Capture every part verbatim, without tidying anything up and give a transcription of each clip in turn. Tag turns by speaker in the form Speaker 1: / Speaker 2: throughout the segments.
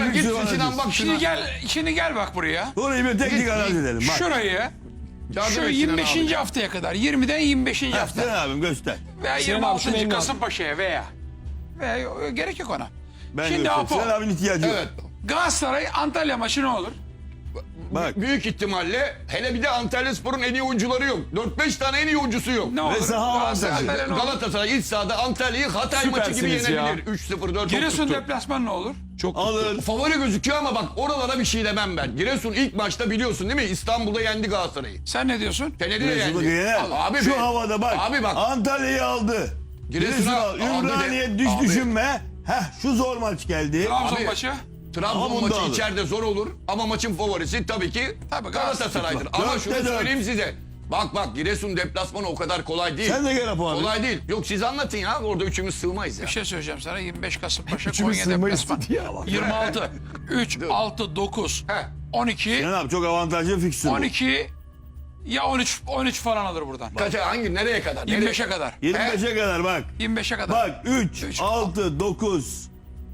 Speaker 1: git
Speaker 2: fikstürü bana
Speaker 1: Sinan
Speaker 2: diz.
Speaker 1: bak
Speaker 3: Şimdi
Speaker 1: şuna.
Speaker 3: gel, şimdi gel bak buraya.
Speaker 2: Orayı bir teknik analiz edelim. Bak.
Speaker 3: Şurayı
Speaker 1: Yardım
Speaker 3: şu
Speaker 1: et Sinan
Speaker 3: yirmi beşinci
Speaker 1: abi.
Speaker 3: haftaya kadar, yirmiden yirmi beşinci
Speaker 2: Ha,
Speaker 3: hafta
Speaker 2: Sinan abim göster.
Speaker 3: veya
Speaker 4: Sinan
Speaker 3: yirmi
Speaker 4: abi, şunu
Speaker 3: altıncı
Speaker 4: eline al.
Speaker 3: Kasımpaşa'ya veya veya gerek yok ona.
Speaker 2: Ben
Speaker 3: Şimdi
Speaker 2: göstereyim.
Speaker 3: Apo,
Speaker 2: Sinan abinin ihtiyacı yok.
Speaker 1: Evet.
Speaker 3: Galatasaray Antalya maçı ne olur?
Speaker 2: Bak.
Speaker 1: Büyük ihtimalle hele bir de Antalyaspor'un en iyi oyuncuları yok. dört beş tane en iyi oyuncusu yok.
Speaker 3: Ne olur?
Speaker 2: saha
Speaker 3: Galatasaray
Speaker 2: avantajı.
Speaker 3: Antalya ne olur?
Speaker 1: Galatasaray iç sahada Antalya'yı Hatay maçı gibi
Speaker 4: Süpersiniz ya.
Speaker 1: yenebilir. üç sıfır dört
Speaker 3: Giresun
Speaker 1: tuttu.
Speaker 3: deplasman ne olur?
Speaker 4: Çok
Speaker 2: Alır.
Speaker 1: Favori gözüküyor ama bak oralara bir şey demem ben. Giresun ilk maçta biliyorsun değil mi? İstanbul'da yendi Galatasaray'ı.
Speaker 3: Sen ne diyorsun?
Speaker 1: Fener'i de
Speaker 2: Giresun'u
Speaker 1: yendi.
Speaker 2: yener.
Speaker 1: Abi
Speaker 2: Şu
Speaker 1: be-
Speaker 2: havada bak.
Speaker 1: Abi bak.
Speaker 2: Antalya'yı aldı.
Speaker 1: Giresun'a
Speaker 2: Giresun'u al.
Speaker 1: aldı de-
Speaker 2: Ümraniye düş
Speaker 1: Abi.
Speaker 2: düşünme. Heh şu zor maç geldi.
Speaker 3: Trabzon
Speaker 1: Abi,
Speaker 3: maçı.
Speaker 1: Trabzon
Speaker 2: Ama bunu da
Speaker 1: maçı
Speaker 2: alır.
Speaker 1: içeride zor olur ama maçın favorisi tabii ki
Speaker 3: Tabii
Speaker 1: Galatasaray'dır.
Speaker 2: Bak,
Speaker 1: Ama
Speaker 2: dörtte
Speaker 1: şunu
Speaker 2: dört.
Speaker 1: söyleyeyim size. Bak bak Giresun deplasmanı o kadar kolay değil.
Speaker 2: Sen de gel Apo abi.
Speaker 1: Kolay değil. Yok siz anlatın ya. Orada üçümüz sığmayız ya.
Speaker 3: Bir şey söyleyeceğim sana. yirmi beş Kasımpaşa
Speaker 4: Üçümüz
Speaker 3: Konya
Speaker 4: sığmayız
Speaker 3: deplasman.
Speaker 4: dedi ya bak.
Speaker 3: yirmi altı, üç, altı, dokuz,
Speaker 1: Heh.
Speaker 3: on iki,
Speaker 2: Sinan abi çok avantajlı bir fikstür bu.
Speaker 3: on iki ya on üç, on üç falan alır buradan.
Speaker 1: Kaça hangi nereye kadar?
Speaker 3: yirmi beşe
Speaker 1: Nereye?
Speaker 3: kadar.
Speaker 2: yirmi beşe kadar bak.
Speaker 3: yirmi beşe kadar.
Speaker 2: Bak üç,
Speaker 3: Üç.
Speaker 2: altı, dokuz,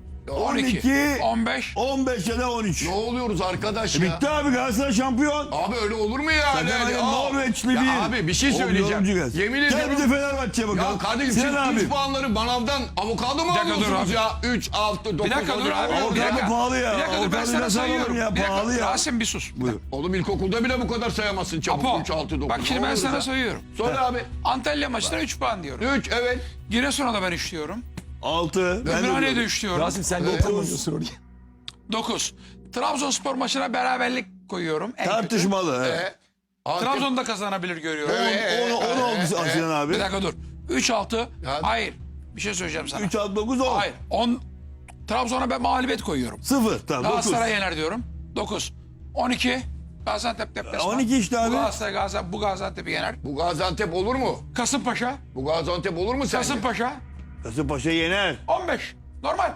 Speaker 3: on iki,
Speaker 2: on iki,
Speaker 3: on beş.
Speaker 2: on beş ya da on üç.
Speaker 1: Ne oluyoruz arkadaş ya?
Speaker 2: Bitti abi Galatasaray şampiyon.
Speaker 1: Abi öyle olur mu ya?
Speaker 2: Sakın
Speaker 1: Yani,
Speaker 2: hani
Speaker 1: aa.
Speaker 2: Norveçli
Speaker 1: Ya
Speaker 2: bir.
Speaker 1: Abi bir şey
Speaker 2: Oğlum,
Speaker 1: söyleyeceğim.
Speaker 2: yorumcu gelsin.
Speaker 1: Yemin
Speaker 2: Gel
Speaker 1: ediyorum.
Speaker 2: bir de Fenerbahçe'ye bakalım.
Speaker 1: Ya kardeşim
Speaker 2: Sinan
Speaker 1: siz
Speaker 2: abi.
Speaker 1: üç puanları manavdan avokado mu
Speaker 3: Bir dakika dur
Speaker 1: alıyorsunuz
Speaker 3: abi.
Speaker 1: ya? üç, altı, dokuz,
Speaker 3: Bir dakika dur abi.
Speaker 2: Avokado
Speaker 3: Bir dakika.
Speaker 2: pahalı ya.
Speaker 3: Bir dakika dur ben
Speaker 2: Avokado
Speaker 3: sana
Speaker 2: nasıl alalım
Speaker 3: sayıyorum.
Speaker 2: ya?
Speaker 3: Bir dakika.
Speaker 2: Pahalı ya.
Speaker 3: Rasim bir sus.
Speaker 2: Buyur.
Speaker 1: Oğlum ilkokulda bile bu kadar sayamazsın çabuk.
Speaker 3: Apo.
Speaker 1: üç, altı, dokuz.
Speaker 3: Bak şimdi
Speaker 1: Ne
Speaker 3: ben
Speaker 1: olur
Speaker 3: sana
Speaker 1: ya?
Speaker 3: sayıyorum.
Speaker 1: Söyle abi.
Speaker 3: Antalya maçına üç puan diyorum.
Speaker 1: üç evet.
Speaker 3: Giresun'a da ben üç diyorum.
Speaker 2: altı. Ben de
Speaker 3: Ümraniye'de
Speaker 2: diyorum.
Speaker 3: üç diyorum.
Speaker 4: Rasim sen de
Speaker 1: Evet.
Speaker 4: oturmuyorsun oraya.
Speaker 3: dokuz. Trabzonspor maçına beraberlik koyuyorum. En kötü.
Speaker 2: Tartışmalı. evet.
Speaker 1: E, Antep-
Speaker 3: Trabzon'da kazanabilir görüyorum.
Speaker 2: on, on, on oldu Sinan abi.
Speaker 3: Bir dakika dur. üç altı.
Speaker 1: Ya-
Speaker 3: Hayır. Bir şey söyleyeceğim sana.
Speaker 2: üç, altı, dokuz, on.
Speaker 3: Hayır. on. Trabzon'a ben mağlubiyet koyuyorum.
Speaker 2: sıfır. Tamam dokuz.
Speaker 3: Galatasaray yener diyorum. dokuz. on iki. Gaziantep deplasman.
Speaker 2: on iki işte abi.
Speaker 3: Bu Galatasaray Gaziantep, bu Gaziantep'i yener.
Speaker 1: Bu Gaziantep olur mu?
Speaker 3: Kasımpaşa.
Speaker 1: Bu Gaziantep olur mu sence?
Speaker 3: Kasımpaşa.
Speaker 2: Kasımpaşa yener.
Speaker 3: on beş. Normal.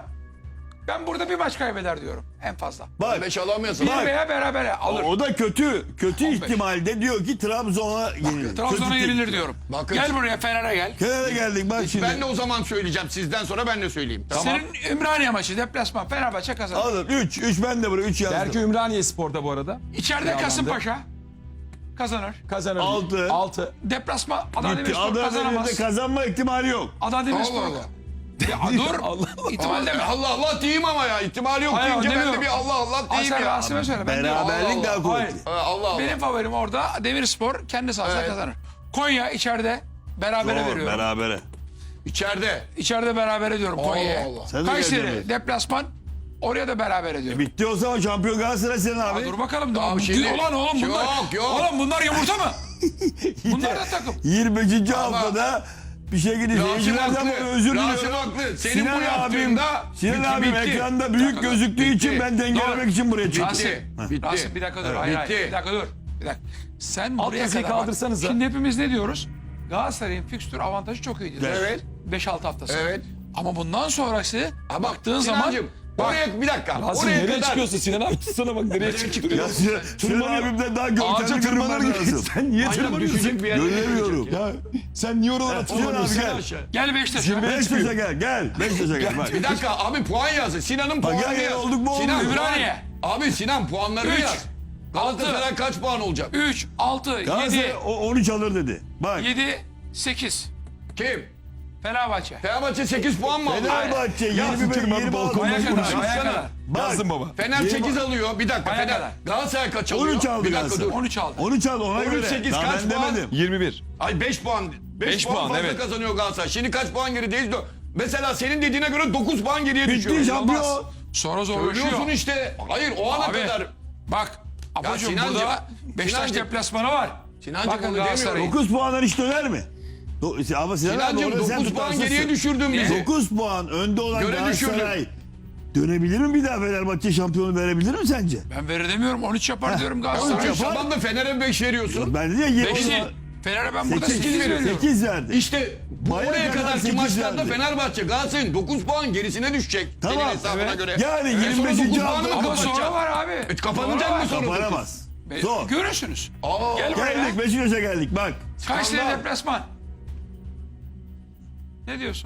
Speaker 3: Ben burada bir maç kaybeder diyorum. En fazla.
Speaker 2: Bak.
Speaker 1: beş alamıyorsun.
Speaker 3: Bir
Speaker 2: Bak.
Speaker 3: veya berabere alır.
Speaker 2: O da kötü. Kötü
Speaker 3: on beş.
Speaker 2: ihtimalde diyor ki Trabzon'a yenilir.
Speaker 3: Trabzon'a
Speaker 2: Kötü
Speaker 3: yenilir
Speaker 2: tek-
Speaker 3: diyorum.
Speaker 1: Bakın.
Speaker 3: Gel buraya Fener'e gel.
Speaker 2: Kenara geldik bak şimdi.
Speaker 1: Ben de o zaman söyleyeceğim. Sizden sonra ben de söyleyeyim. Tamam.
Speaker 3: Senin Ümraniye maçı deplasman Fenerbahçe kazanır.
Speaker 2: Alın üç. üç ben de buraya üç yazdım.
Speaker 4: Berke Ümraniye Spor'da bu arada.
Speaker 3: İçeride Kasımpaşa kazanır.
Speaker 4: Kazanır.
Speaker 2: Altı.
Speaker 4: altı.
Speaker 3: Deplasman Adana
Speaker 2: Gitti.
Speaker 3: Demirspor
Speaker 2: Adana
Speaker 3: kazanamaz.
Speaker 2: Demir'de kazanma ihtimali yok.
Speaker 3: Adana Demirspor.
Speaker 1: Allah Allah.
Speaker 3: Ya dur.
Speaker 4: Allah
Speaker 3: İhtimal deme.
Speaker 1: Allah Allah diyeyim ama ya. İhtimali yok
Speaker 3: Hayır,
Speaker 1: deyince ben de
Speaker 3: demiyorum.
Speaker 1: bir Allah Allah
Speaker 3: Al
Speaker 1: diyeyim
Speaker 3: sen
Speaker 1: ya.
Speaker 3: Rasim'e söyle. Ben diyorum.
Speaker 2: Beraberlik
Speaker 1: Allah
Speaker 2: daha
Speaker 1: Allah.
Speaker 2: kuvvetli.
Speaker 1: Ha, Allah Allah.
Speaker 3: Benim favorim orada Demirspor kendi sahasında
Speaker 1: Evet.
Speaker 3: kazanır. Konya içeride berabere
Speaker 2: Doğru,
Speaker 3: veriyorum.
Speaker 2: berabere.
Speaker 1: İçeride.
Speaker 3: İçeride berabere diyorum Konya'ya.
Speaker 1: Allah.
Speaker 2: Sen de
Speaker 3: Kayseri
Speaker 2: geleceksin.
Speaker 3: deplasman oraya da beraber ediyorum.
Speaker 2: Bitti o zaman şampiyon Galatasaray senin abi.
Speaker 3: Ya dur bakalım. Daha
Speaker 1: Abi
Speaker 3: bu-
Speaker 1: şimdi-
Speaker 3: Ulan oğlum bunlar.
Speaker 1: Yok, yok.
Speaker 3: Oğlum bunlar yumurta mı? Bunlar da takım.
Speaker 2: yirmi beşinci haftada bir şey gidecek.
Speaker 1: Rasim
Speaker 2: Seyircilerden
Speaker 1: haklı.
Speaker 2: özür
Speaker 1: Rasim
Speaker 2: diliyorum.
Speaker 1: haklı. Senin
Speaker 2: Sinan
Speaker 1: bu
Speaker 2: abim,
Speaker 1: yaptığında
Speaker 2: Sinan
Speaker 1: bitti,
Speaker 2: abim
Speaker 1: bitti.
Speaker 2: ekranda büyük
Speaker 3: dakika,
Speaker 2: gözüktüğü
Speaker 1: bitti.
Speaker 2: için ben dengelemek
Speaker 3: Doğru.
Speaker 2: için buraya çıktım.
Speaker 3: Rasim,
Speaker 1: Bitti.
Speaker 3: Rasim bir dakika dur. Hayır, hayır.
Speaker 1: Bitti.
Speaker 3: Bir dakika dur. Bir dakika. Sen
Speaker 4: Alt
Speaker 3: buraya
Speaker 4: yazıyı
Speaker 3: kadar bak.
Speaker 4: kaldırsanıza.
Speaker 3: Şimdi hepimiz ne diyoruz? Galatasaray'ın fikstür avantajı çok iyidir.
Speaker 1: Evet.
Speaker 3: beş altı haftası.
Speaker 1: Evet.
Speaker 3: Ama bundan sonrası
Speaker 1: Ha bak,
Speaker 3: baktığın zaman
Speaker 1: Sinancım, oraya bir dakika.
Speaker 4: Rasim
Speaker 1: oraya
Speaker 4: nereye
Speaker 1: kadar.
Speaker 4: çıkıyorsun Sinan abi? Sana bak nereye çıkıyorsun?
Speaker 2: Ya Sinan, Sinan abimden daha görkemli
Speaker 4: Ağaca
Speaker 2: görünmen
Speaker 4: tırmanır gibi.
Speaker 2: lazım.
Speaker 4: Sen niye
Speaker 1: Aynen
Speaker 4: tırmanıyorsun?
Speaker 1: düşecek bir yere.
Speaker 2: Göremiyorum.
Speaker 4: Ya sen niye oralara
Speaker 2: Sinan abi
Speaker 4: tırmanıyorsun?
Speaker 2: gel.
Speaker 3: gel Beşiktaş'a.
Speaker 2: Beşiktaş'a gel. Gel. Beşiktaş'a gel. Bak.
Speaker 1: Bir dakika abi puan yazın. Sinan'ın
Speaker 2: Bak,
Speaker 1: puanını
Speaker 2: gel, gel,
Speaker 1: yaz.
Speaker 2: olduk mu,
Speaker 1: Sinan
Speaker 2: olduk.
Speaker 1: puan-
Speaker 3: Ümraniye.
Speaker 1: Abi Sinan puanlarını
Speaker 3: Üç.
Speaker 1: yaz. Galatasaray kaç puan olacak?
Speaker 3: üç, altı,
Speaker 2: Galatasaray
Speaker 3: yedi,
Speaker 2: o- on üç alır dedi. Bak.
Speaker 3: yedi, sekiz.
Speaker 1: Kim?
Speaker 3: Fenerbahçe.
Speaker 1: Fenerbahçe sekiz puan mı aldı?
Speaker 2: Fenerbahçe
Speaker 4: Yazın
Speaker 2: yirmi beş
Speaker 4: tırmanı
Speaker 2: yirmi altı.
Speaker 4: balkondan
Speaker 3: Aya kadar,
Speaker 4: konuşuruz.
Speaker 3: aya kadar.
Speaker 2: Bak.
Speaker 4: Yazdım baba.
Speaker 1: Fener
Speaker 2: Yirmi-
Speaker 1: sekiz alıyor. Bir dakika
Speaker 3: Aya
Speaker 1: Fener.
Speaker 3: kadar.
Speaker 1: Galatasaray kaç
Speaker 2: on
Speaker 1: alıyor?
Speaker 2: üç aldı
Speaker 1: Bir dakika
Speaker 2: Galatasaray.
Speaker 1: dur.
Speaker 3: on üç aldı.
Speaker 2: on üç aldı ona
Speaker 1: on üç,
Speaker 2: göre.
Speaker 1: sekiz
Speaker 2: Daha
Speaker 1: kaç
Speaker 2: ben
Speaker 1: puan?
Speaker 2: demedim.
Speaker 4: yirmi bir.
Speaker 1: Ay beş puan. beş
Speaker 4: Beş
Speaker 1: puan,
Speaker 4: puan,
Speaker 1: fazla
Speaker 4: evet.
Speaker 1: kazanıyor Galatasaray. Şimdi kaç puan gerideyiz? Mesela senin dediğine göre dokuz puan geriye düşüyor.
Speaker 2: Bitti
Speaker 1: Olmaz.
Speaker 2: şampiyon.
Speaker 3: Sonra
Speaker 1: Söylüyorsun
Speaker 3: zorlaşıyor.
Speaker 1: işte. Hayır o ana
Speaker 3: Abi,
Speaker 1: kadar.
Speaker 3: bak. Apocuğum
Speaker 1: Sinancım,
Speaker 3: burada Beşiktaş
Speaker 1: Sinancım.
Speaker 3: deplasmanı var.
Speaker 1: Sinancım
Speaker 3: Bakın
Speaker 1: onu
Speaker 3: Galatasaray'ın.
Speaker 1: demiyorum.
Speaker 2: dokuz puanlar hiç döner mi? Do- Ama Sinan abi
Speaker 1: Sinancım
Speaker 2: orada sen
Speaker 1: dokuz puan
Speaker 2: tutarsızsın.
Speaker 1: geriye düşürdün bizi.
Speaker 2: dokuz puan önde olan
Speaker 1: Göre
Speaker 2: Galatasaray dönebilir mi bir daha Fenerbahçe şampiyonu verebilir mi sence?
Speaker 3: Ben verir demiyorum. on üç yapar diyorum
Speaker 2: on üç
Speaker 3: Galatasaray.
Speaker 2: yapar.
Speaker 1: Tamam da Fener'e beş veriyorsun.
Speaker 2: Ben de ya
Speaker 3: beş değil. Fener'e ben burada sekiz veriyorum.
Speaker 2: sekiz verdi.
Speaker 1: İşte bu
Speaker 2: Baya
Speaker 1: oraya
Speaker 2: kadar
Speaker 1: kadarki
Speaker 2: sekiz
Speaker 1: maçlarda
Speaker 2: verdi.
Speaker 1: Fenerbahçe Galatasaray'ın dokuz puan gerisine düşecek.
Speaker 2: Tamam,
Speaker 1: Senin hesabına
Speaker 3: evet.
Speaker 1: göre.
Speaker 2: Yani
Speaker 1: E, sonra
Speaker 2: yirmi beşinci
Speaker 1: dokuz puanı
Speaker 2: hafta-
Speaker 1: mı
Speaker 3: Ama
Speaker 1: kapatacak?
Speaker 3: sonra var abi.
Speaker 1: E, kapanacak
Speaker 3: Sonra
Speaker 1: mı
Speaker 3: var.
Speaker 1: sonra?
Speaker 2: Kapanamaz.
Speaker 3: Be-
Speaker 2: Zor.
Speaker 3: Görürsünüz.
Speaker 1: Aa,
Speaker 3: Gel buraya.
Speaker 2: Geldik Beşiktaş'a geldik bak.
Speaker 3: Kayseri
Speaker 1: Skandal.
Speaker 3: deplasman. Ne diyorsun?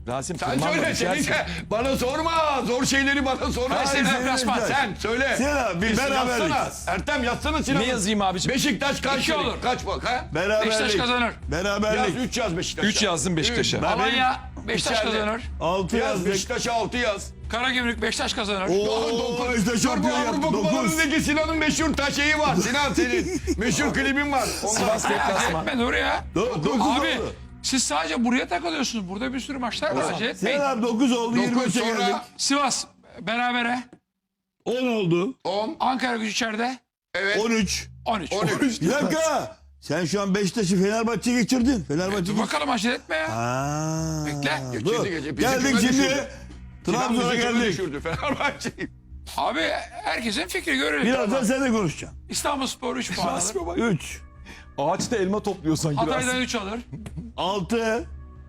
Speaker 4: Rasim
Speaker 1: Sen
Speaker 4: tırmanma,
Speaker 1: söyle
Speaker 4: düşersin.
Speaker 1: Seninke. Bana sorma. Zor şeyleri bana sorma.
Speaker 3: Kayseri
Speaker 1: Sen-
Speaker 3: deplasman.
Speaker 1: Sen söyle.
Speaker 2: Sinan abi,
Speaker 1: Biz
Speaker 2: beraberlik.
Speaker 1: yazsana. Ertem yazsana Sinan.
Speaker 4: Ne yazayım abicim?
Speaker 1: Beşiktaş kaç
Speaker 3: İki olur.
Speaker 1: Kaç bak ha?
Speaker 2: Beraberlik.
Speaker 3: Beşiktaş kazanır.
Speaker 1: Yaz
Speaker 2: Beraberlik.
Speaker 1: üç yaz Beşiktaş'a.
Speaker 4: üç yazdım Beşiktaş'a.
Speaker 1: Üç.
Speaker 3: Alanya Beşiktaş
Speaker 1: İçeride.
Speaker 3: kazanır.
Speaker 2: altı
Speaker 1: Yaz
Speaker 2: yazdık.
Speaker 1: Beşiktaş'a altı yaz.
Speaker 3: Karagümrük Beşiktaş kazanır.
Speaker 2: Oo, işte
Speaker 1: Dur bu
Speaker 2: şampiyon
Speaker 1: Avrupa
Speaker 2: yaptı. dokuz.
Speaker 1: Kupalarındaki Sinan'ın meşhur taşeyi var. Sinan senin meşhur klibin var. Ondan
Speaker 4: Sivas deplasman.
Speaker 3: Etme dur ya.
Speaker 2: dokuz
Speaker 3: Abi
Speaker 2: oldu.
Speaker 3: siz sadece buraya takılıyorsunuz. Burada bir sürü maçlar var. Acele etmeyin.
Speaker 2: Sinan abi dokuz oldu. yirmi
Speaker 1: dokuz
Speaker 2: üçe geldik.
Speaker 1: sonra
Speaker 3: Sivas berabere.
Speaker 2: on oldu.
Speaker 1: on.
Speaker 3: Ankara Gücü içeride.
Speaker 1: Evet.
Speaker 2: on üç.
Speaker 3: on üç.
Speaker 1: on üç.
Speaker 2: Bir dakika. Sen şu an Beşiktaş'ı Fenerbahçe'ye geçirdin. Fenerbahçe
Speaker 3: Dur bakalım acele etme ya.
Speaker 2: Ha.
Speaker 3: Bekle.
Speaker 2: Dur.
Speaker 1: Geçirdi, geçirdi. Bizi
Speaker 2: Geldik
Speaker 1: küme
Speaker 2: şimdi.
Speaker 1: düşürdü. Sinan
Speaker 2: Trabzon'a
Speaker 1: bizi küme
Speaker 2: geldik.
Speaker 1: düşürdü Fenerbahçe'yi.
Speaker 3: Abi herkesin fikri görelim.
Speaker 2: Birazdan sen de konuşacaksın.
Speaker 3: İstanbulspor üç puan alır.
Speaker 4: Rasim'e bak.
Speaker 2: üç.
Speaker 4: Ağaçta elma topluyor sanki
Speaker 3: Hatay'dan
Speaker 4: Rasim.
Speaker 3: üç alır.
Speaker 2: altı.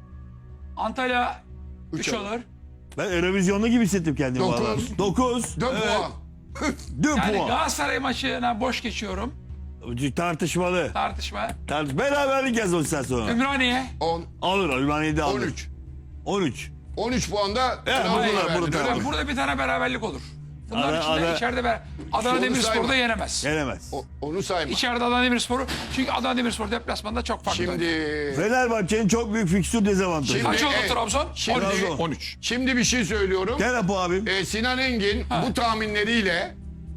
Speaker 3: Antalya üç
Speaker 1: alır.
Speaker 3: alır.
Speaker 2: Ben Eurovizyonlu gibi hissettim kendimi.
Speaker 1: Dokuz.
Speaker 2: dokuz.
Speaker 1: dört puan.
Speaker 2: dört
Speaker 3: Yani
Speaker 2: puan.
Speaker 3: Galatasaray maçına boş geçiyorum.
Speaker 2: Tartışmalı.
Speaker 3: Tartışma.
Speaker 2: Tart Beraberlik yaz o sen sonra.
Speaker 3: Ümraniye.
Speaker 1: on.
Speaker 2: Alır. Ümraniye'de alır.
Speaker 1: on üç.
Speaker 2: on üç.
Speaker 1: on üç puanda
Speaker 2: Evet,
Speaker 1: Trabzon'a
Speaker 2: burada,
Speaker 1: verdin,
Speaker 2: burada.
Speaker 1: öyle mi?
Speaker 3: Burada bir tane beraberlik olur. Bunlar
Speaker 2: Ara-
Speaker 3: içinde
Speaker 2: ara-
Speaker 3: içeride ber Adana
Speaker 1: Onu
Speaker 3: Demirspor'da
Speaker 1: sayma.
Speaker 3: yenemez.
Speaker 2: Gelemez.
Speaker 1: O- Onu sayma.
Speaker 3: İçeride Adana Demirspor'u çünkü Adana Demirspor deplasmanda çok farklı.
Speaker 1: Şimdi
Speaker 2: Fenerbahçe'nin çok büyük fikstür dezavantajı.
Speaker 1: Şimdi-
Speaker 3: Kaç oldu
Speaker 1: Evet.
Speaker 3: Trabzon?
Speaker 1: Şimdi-
Speaker 3: on üç.
Speaker 2: Trabzon.
Speaker 4: on üç.
Speaker 1: şimdi bir şey söylüyorum.
Speaker 2: Gel Apo abim.
Speaker 1: Ee, Sinan Engin bu tahminleriyle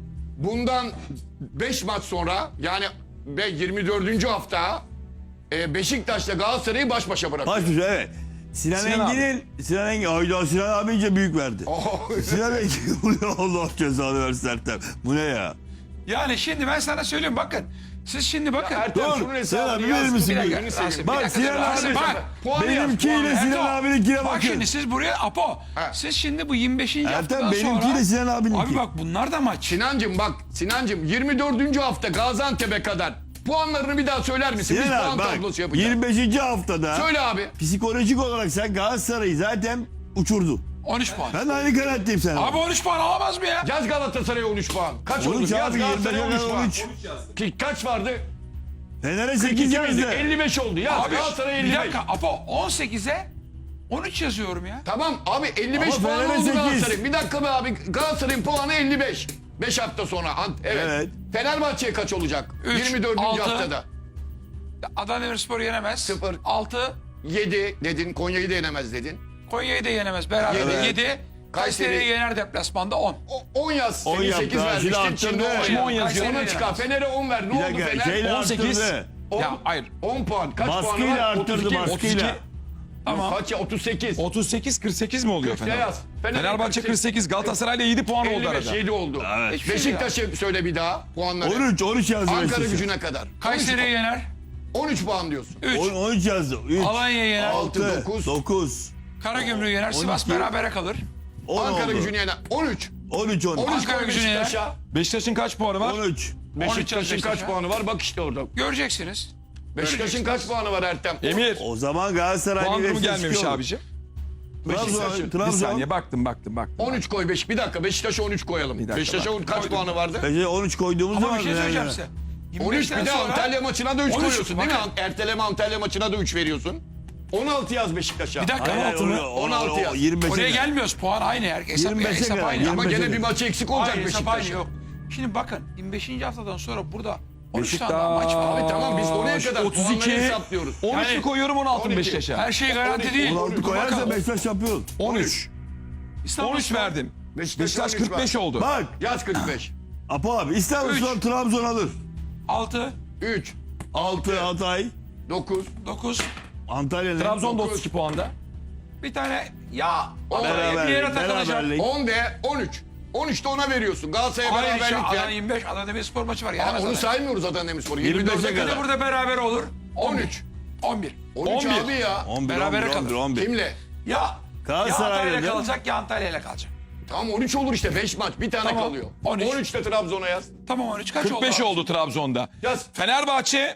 Speaker 1: bundan beş maç sonra yani ve yirmi dördüncü hafta e, Beşiktaş'la Galatasaray'ı baş başa bırakıyor.
Speaker 2: Baş başa evet. Sinan,
Speaker 4: Sinan
Speaker 2: Engin'in Sinan Engin ayda Sinan abi iyice büyük verdi.
Speaker 1: Oh.
Speaker 2: Sinan Engin bu ne Allah cezanı versin Ertem. Bu ne ya?
Speaker 3: Yani şimdi ben sana söyleyeyim bakın. Siz şimdi bakın.
Speaker 1: Ertem
Speaker 2: Dur,
Speaker 1: şunun
Speaker 2: Sinan
Speaker 1: hesabını
Speaker 2: abi
Speaker 1: yaz.
Speaker 2: verir misin?
Speaker 1: Bir dakika,
Speaker 2: Bir
Speaker 1: gözünü
Speaker 3: Rasim,
Speaker 1: seveyim.
Speaker 3: bir
Speaker 2: Bak
Speaker 3: dakika,
Speaker 2: Sinan
Speaker 3: Rasim,
Speaker 2: abi.
Speaker 3: bak.
Speaker 1: Puanı yaz,
Speaker 2: Benimkiyle
Speaker 1: puanı.
Speaker 2: Sinan
Speaker 3: Ertem,
Speaker 2: abininkine
Speaker 3: Bak
Speaker 2: bakın.
Speaker 3: şimdi siz buraya Apo.
Speaker 1: Ha.
Speaker 3: Siz şimdi bu yirmi beşinci
Speaker 2: Ertem,
Speaker 3: haftadan
Speaker 2: benimkiyle
Speaker 3: sonra.
Speaker 2: Sinan abininki.
Speaker 3: Abi bak bunlar da maç.
Speaker 1: Sinancım bak Sinancım yirmi dördüncü hafta Gaziantep'e kadar puanlarını bir daha söyler misin? Biz
Speaker 2: Sinan
Speaker 1: puan
Speaker 2: abi bak
Speaker 1: tablosu yapacağız.
Speaker 2: yirmi beşinci haftada
Speaker 1: Söyle abi.
Speaker 2: psikolojik olarak sen Galatasaray'ı zaten uçurdun.
Speaker 3: on üç puan.
Speaker 2: Ben de aynı kanaatteyim sana.
Speaker 3: Abi on üç puan alamaz mı ya?
Speaker 1: Yaz Galatasaray'a on üç puan. Kaç
Speaker 2: on
Speaker 1: oldu?
Speaker 2: üç
Speaker 1: Yaz
Speaker 2: abi
Speaker 1: Galatasaray'a on üç puan.
Speaker 2: on üç.
Speaker 1: Ki Kaç vardı?
Speaker 2: Fener'e
Speaker 1: kırk
Speaker 2: sekiz
Speaker 1: iki
Speaker 2: yazdı.
Speaker 1: miydi? elli beş oldu. Yaz
Speaker 3: Abi
Speaker 1: Galatasaray'a elli
Speaker 3: bir
Speaker 1: beş.
Speaker 3: dakika Apo on sekize on üç yazıyorum ya.
Speaker 1: Tamam abi elli beş
Speaker 2: Ama
Speaker 1: puan
Speaker 2: Fener'e
Speaker 1: oldu
Speaker 2: sekiz.
Speaker 1: Galatasaray'ın. Bir dakika be abi Galatasaray'ın puanı elli beş. beş hafta sonra. Ant- Evet.
Speaker 2: Evet.
Speaker 1: Fenerbahçe'ye kaç olacak?
Speaker 3: Üç,
Speaker 1: yirmi dördüncü
Speaker 3: altı.
Speaker 1: haftada.
Speaker 3: Adana Demirspor yenemez.
Speaker 1: Sıfır.
Speaker 3: altı.
Speaker 1: yedi dedin. Konya'yı da yenemez dedin.
Speaker 3: Konya'yı da yenemez. Beraber
Speaker 1: Yedi.
Speaker 3: yedi. Kayseri'yi yener deplasmanda on.
Speaker 1: O- on yaz.
Speaker 2: on
Speaker 1: Senin
Speaker 2: yaptı
Speaker 1: sekiz
Speaker 2: ha, şimdi
Speaker 1: vermiştin. Şimdi
Speaker 2: arttırdı.
Speaker 1: on
Speaker 2: Şimdi
Speaker 1: yaz.
Speaker 4: on yazıyor.
Speaker 1: Ona çıkar. Fener'e on ver. Ne
Speaker 2: Bir
Speaker 1: oldu
Speaker 2: dakika
Speaker 1: Fener?
Speaker 2: şeyle
Speaker 4: on sekiz.
Speaker 2: arttırdı.
Speaker 1: on,
Speaker 4: Ya hayır.
Speaker 1: on puan. Kaç puanı
Speaker 2: Baskıyla
Speaker 1: var?
Speaker 2: arttırdı
Speaker 1: otuz iki.
Speaker 2: baskıyla.
Speaker 3: Tamam.
Speaker 1: Kaç ya? otuz sekiz.
Speaker 4: otuz sekiz kırk sekiz mi oluyor
Speaker 1: kırk
Speaker 4: Fener?
Speaker 1: yaz. Fener
Speaker 4: Fenerbahçe
Speaker 1: kırk
Speaker 4: kırk
Speaker 1: sekiz.
Speaker 4: sekiz, Galatasaray'la yedi puan oldu
Speaker 1: elli beş
Speaker 4: arada.
Speaker 1: yedi oldu.
Speaker 2: Evet.
Speaker 3: Hiçbir şey
Speaker 1: Beşiktaş'ı söyle bir daha puanları.
Speaker 2: on üç on üç yazdı
Speaker 1: Ankara
Speaker 2: Beşiktaş'a.
Speaker 1: gücüne kadar.
Speaker 3: Kayseri'yi yener.
Speaker 1: on üç puan diyorsun.
Speaker 3: üç.
Speaker 2: on- on üç yazdı. üç.
Speaker 3: Alanya'yı yener.
Speaker 1: Altı,
Speaker 2: altı,
Speaker 1: dokuz.
Speaker 2: dokuz.
Speaker 3: Karagümrük'ü yener. Sivas
Speaker 2: on iki.
Speaker 3: berabere kalır.
Speaker 2: on
Speaker 1: Ankara
Speaker 2: oldu.
Speaker 1: gücüne yener. on üç.
Speaker 2: on üç on üç.
Speaker 1: on üç
Speaker 3: Ankara
Speaker 1: koy
Speaker 3: gücüne yener.
Speaker 1: Beşiktaş'a.
Speaker 4: Beşiktaş'ın kaç puanı var?
Speaker 2: on üç.
Speaker 1: Beşiktaş'ın
Speaker 3: Beşiktaş'a.
Speaker 1: kaç puanı var? Bak işte orada.
Speaker 3: Göreceksiniz.
Speaker 1: Beşiktaş'ın kaç puanı var Ertem?
Speaker 4: Emir.
Speaker 2: O zaman Galatasaray
Speaker 4: Puan durumu
Speaker 2: Beşiktaş
Speaker 4: gelmemiş
Speaker 2: çıkıyor.
Speaker 4: abicim.
Speaker 2: Trabzon,
Speaker 1: Beşiktaş'ın.
Speaker 4: Bir
Speaker 2: Trabzon.
Speaker 4: saniye baktım baktım baktım.
Speaker 1: on üç koy beş. Bir dakika Beşiktaş'a on üç koyalım.
Speaker 4: dakika,
Speaker 1: Beşiktaş'a
Speaker 4: bak.
Speaker 1: kaç puanı vardı?
Speaker 2: Beşiktaş'a on üç koyduğumuz
Speaker 3: Ama
Speaker 2: zaman
Speaker 3: bir şey söyleyeceğim
Speaker 2: yani.
Speaker 3: size.
Speaker 1: on üç bir
Speaker 3: yirmi beşten
Speaker 1: de
Speaker 3: sonra-
Speaker 1: Antalya maçına da üç
Speaker 3: on üç,
Speaker 1: koyuyorsun değil mi?
Speaker 3: bakın.
Speaker 1: Erteleme Antalya maçına da üç veriyorsun. on altı yaz Beşiktaş'a.
Speaker 3: Bir dakika.
Speaker 2: Hayır,
Speaker 3: altı mı?
Speaker 2: onu- onu-
Speaker 1: on altı
Speaker 2: o-
Speaker 1: yaz.
Speaker 2: yirmi beşe
Speaker 3: Oraya
Speaker 2: kadar.
Speaker 3: gelmiyoruz. Puan aynı. Her, hesap,
Speaker 2: yirmi beşe
Speaker 3: hesap
Speaker 2: kadar,
Speaker 3: aynı.
Speaker 2: yirmi
Speaker 1: Ama
Speaker 2: beşe
Speaker 1: gene bir
Speaker 2: kadar.
Speaker 1: maçı eksik olacak
Speaker 3: Hayır, hesap aynı
Speaker 1: Beşiktaş'ın.
Speaker 3: yok. Şimdi bakın yirmi beşinci haftadan sonra burada on üç
Speaker 4: Beşiktaş.
Speaker 3: tane daha maç var.
Speaker 1: Abi tamam biz oraya kadar
Speaker 4: otuz iki.
Speaker 1: puanları hesaplıyoruz.
Speaker 4: on üçü
Speaker 3: Yani-
Speaker 4: koyuyorum on altı
Speaker 1: on iki.
Speaker 4: Beşiktaş'a.
Speaker 3: Her şey garanti
Speaker 1: on iki.
Speaker 3: değil.
Speaker 2: on altı
Speaker 3: Dur
Speaker 2: koyarsa
Speaker 3: bakalım.
Speaker 2: Beşiktaş şampiyon.
Speaker 4: on üç.
Speaker 3: İstanbul
Speaker 4: on üç
Speaker 3: Spor
Speaker 4: verdim.
Speaker 1: Beşiktaş
Speaker 4: Beşiktaş
Speaker 1: on üç
Speaker 4: kırk beş
Speaker 1: var.
Speaker 4: oldu.
Speaker 2: Bak
Speaker 1: Yaz kırk beş.
Speaker 2: Apo abi İstanbulspor
Speaker 3: Üç.
Speaker 2: Trabzon alır.
Speaker 3: altı,
Speaker 1: üç,
Speaker 2: altı Hatay.
Speaker 1: dokuz,
Speaker 3: dokuz.
Speaker 2: Antalya ne?
Speaker 4: Trabzon da
Speaker 1: dokuz.
Speaker 4: otuz iki puanda.
Speaker 3: Bir tane ya
Speaker 2: Beraberlik,
Speaker 3: bir yere takılacak.
Speaker 2: beraberlik.
Speaker 1: on de on üç. on üçte ona veriyorsun. Galatasaray'a
Speaker 3: Hayır işte
Speaker 1: beraberlik
Speaker 3: Adana
Speaker 1: ver.
Speaker 3: yirmi beş. Adana Demirspor maçı var.
Speaker 1: Aa,
Speaker 3: Yenemez
Speaker 1: onu
Speaker 3: Adana.
Speaker 1: saymıyoruz Adana Demirspor'u.
Speaker 2: yirmi beşe
Speaker 1: yirmi dörde
Speaker 3: Bir de
Speaker 2: kadar.
Speaker 3: burada beraber olur.
Speaker 1: on üç.
Speaker 3: on bir.
Speaker 1: on üç
Speaker 4: on bir.
Speaker 1: abi ya.
Speaker 2: on bir,
Speaker 3: Berabere
Speaker 2: on bir, on bir,
Speaker 3: kalır.
Speaker 2: on bir.
Speaker 1: Kimle?
Speaker 3: Ya ya
Speaker 2: Galatasaray'la
Speaker 3: Antalya'yla
Speaker 2: değil mi?
Speaker 3: kalacak ya Antalya'yla kalacak.
Speaker 1: Tamam on üç olur işte. beş maç. Bir tane
Speaker 3: Tamam,
Speaker 1: kalıyor.
Speaker 3: on üç.
Speaker 1: on üçte Trabzon'a yaz.
Speaker 3: Tamam on üç kaç
Speaker 4: kırk beş
Speaker 3: oldu?
Speaker 4: oldu Trabzon'da.
Speaker 1: Yaz.
Speaker 4: Fenerbahçe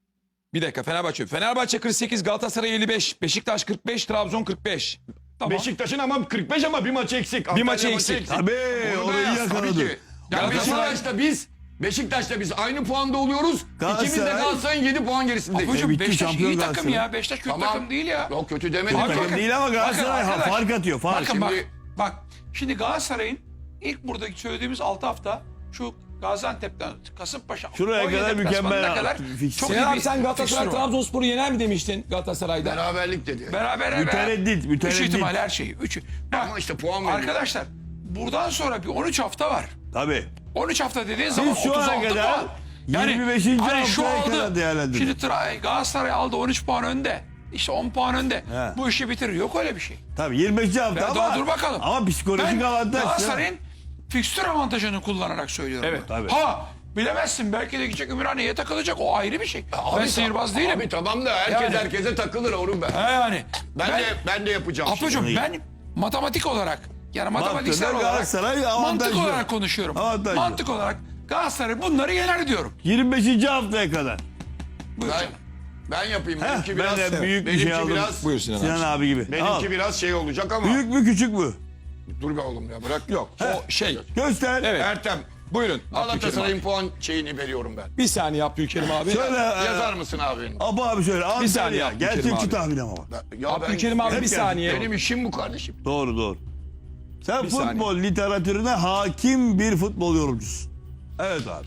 Speaker 4: bir dakika Fenerbahçe. Fenerbahçe kırk sekiz, Galatasaray elli beş, Beşiktaş kırk beş, Trabzon kırk beş.
Speaker 3: Tamam.
Speaker 1: Beşiktaş'ın ama kırk beş ama bir maçı eksik.
Speaker 4: Bir maçı
Speaker 1: Antalya
Speaker 4: eksik.
Speaker 2: Tabii
Speaker 1: Onu da
Speaker 2: orayı
Speaker 1: yaz tabii
Speaker 2: yakaladı.
Speaker 1: ki. Ya
Speaker 4: Galatasaray-
Speaker 1: Beşiktaş'ta biz Beşiktaş'ta biz aynı puanda oluyoruz.
Speaker 2: Galatasaray-
Speaker 1: İkimiz de Galatasaray'ın yedi puan gerisindeyiz.
Speaker 3: Hocam
Speaker 2: bitti,
Speaker 3: Beşiktaş
Speaker 2: şampiyon
Speaker 3: iyi takım
Speaker 2: Galatasaray.
Speaker 3: ya. Beşiktaş kötü
Speaker 1: Tamam.
Speaker 3: takım değil ya.
Speaker 1: Yok kötü demedim.
Speaker 3: Abi
Speaker 2: takım
Speaker 3: bakın,
Speaker 2: değil ama Galatasaray
Speaker 3: bakın arkadaş,
Speaker 2: fark atıyor, fark.
Speaker 3: Bakın bak,
Speaker 1: Şimdi-
Speaker 3: bak. Şimdi Galatasaray'ın ilk buradaki söylediğimiz altı hafta şu Gaziantep'ten Kasımpaşa
Speaker 2: Şuraya
Speaker 3: Konya
Speaker 2: kadar
Speaker 3: deplasmanına
Speaker 2: mükemmel
Speaker 3: kadar
Speaker 2: fix.
Speaker 3: çok iyi
Speaker 4: Sinan abi
Speaker 3: bir
Speaker 4: sen Galatasaray
Speaker 3: fikstür var.
Speaker 4: Trabzonspor'u yener mi demiştin Galatasaray'da?
Speaker 1: Beraberlik dedi.
Speaker 3: Beraber
Speaker 2: Mütereddit,
Speaker 3: Üç
Speaker 2: mütereddit.
Speaker 3: ihtimal her şeyi. Üç. Bak,
Speaker 1: Ama işte puan veriyor.
Speaker 3: arkadaşlar buradan sonra bir on üç hafta var.
Speaker 2: Tabii.
Speaker 3: on üç hafta dediğin zaman
Speaker 2: şu ana
Speaker 3: otuz altı
Speaker 2: kadar
Speaker 3: puan.
Speaker 2: yirmi beşinci
Speaker 3: hani şu
Speaker 2: haftaya kadar
Speaker 3: aldı.
Speaker 2: değerlendirin.
Speaker 3: Şimdi Tra- Galatasaray aldı on üç puan önde. İşte on puan önde.
Speaker 2: He.
Speaker 3: Bu işi bitirir. Yok öyle bir şey.
Speaker 2: Tabii yirmi beşinci hafta
Speaker 3: Ya
Speaker 2: ama.
Speaker 3: daha dur bakalım.
Speaker 2: Ama psikolojik
Speaker 3: Ben
Speaker 2: avantaj.
Speaker 3: Galatasaray'ın fikstür avantajını kullanarak söylüyorum.
Speaker 4: Evet,
Speaker 3: bunu.
Speaker 2: tabii.
Speaker 3: Ha bilemezsin belki de gidecek Ümraniye'ye takılacak o ayrı bir şey. ben sihirbaz değilim.
Speaker 1: Abi tamam da herkes
Speaker 3: Yani.
Speaker 1: herkese takılır oğlum ben.
Speaker 3: Ha yani.
Speaker 1: Ben, de ben de yapacağım.
Speaker 3: Apocuğum
Speaker 2: Şimdi.
Speaker 3: ben matematik olarak yani matematiksel
Speaker 2: Baktığında
Speaker 3: olarak
Speaker 2: Galatasaray avantajlı.
Speaker 3: mantık olarak konuşuyorum.
Speaker 2: Avantajlı.
Speaker 3: Mantık olarak Galatasaray bunları yener diyorum.
Speaker 2: yirmi beşinci haftaya kadar.
Speaker 3: Buyur
Speaker 1: Ben,
Speaker 3: canım.
Speaker 1: ben yapayım.
Speaker 2: Heh,
Speaker 1: Benimki
Speaker 2: ben
Speaker 1: biraz,
Speaker 2: de büyük bir
Speaker 1: benimki
Speaker 2: şey aldım.
Speaker 1: biraz,
Speaker 4: Buyur Sinan abi.
Speaker 2: Sinan abi gibi.
Speaker 1: benimki
Speaker 2: Al.
Speaker 1: biraz şey olacak ama.
Speaker 2: Büyük mü küçük mü?
Speaker 1: Dur be oğlum ya bırak.
Speaker 4: Yok o şey.
Speaker 2: Göster.
Speaker 4: Evet.
Speaker 1: Ertem.
Speaker 4: Buyurun.
Speaker 1: Galatasaray'ın puan şeyini veriyorum ben.
Speaker 4: Bir saniye Abdülkerim abi.
Speaker 2: Şöyle e,
Speaker 1: Yazar mısın abi?
Speaker 2: Abu abi söyle.
Speaker 4: saniye
Speaker 2: Antalya.
Speaker 4: Abdülkerim
Speaker 2: Gerçekçi
Speaker 4: abi.
Speaker 2: tahmin ama bak.
Speaker 1: Ya ben,
Speaker 4: Abdülkerim abi
Speaker 2: Hep
Speaker 4: bir
Speaker 2: geldik.
Speaker 4: saniye.
Speaker 1: benim işim bu kardeşim.
Speaker 2: Doğru doğru. Sen
Speaker 4: Bir
Speaker 2: futbol literatürüne hakim bir futbol yorumcusun. Evet abi.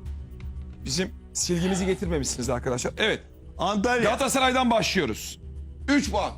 Speaker 4: Bizim silgimizi getirmemişsiniz arkadaşlar. Evet.
Speaker 2: Antalya.
Speaker 4: Galatasaray'dan başlıyoruz.
Speaker 1: üç puan.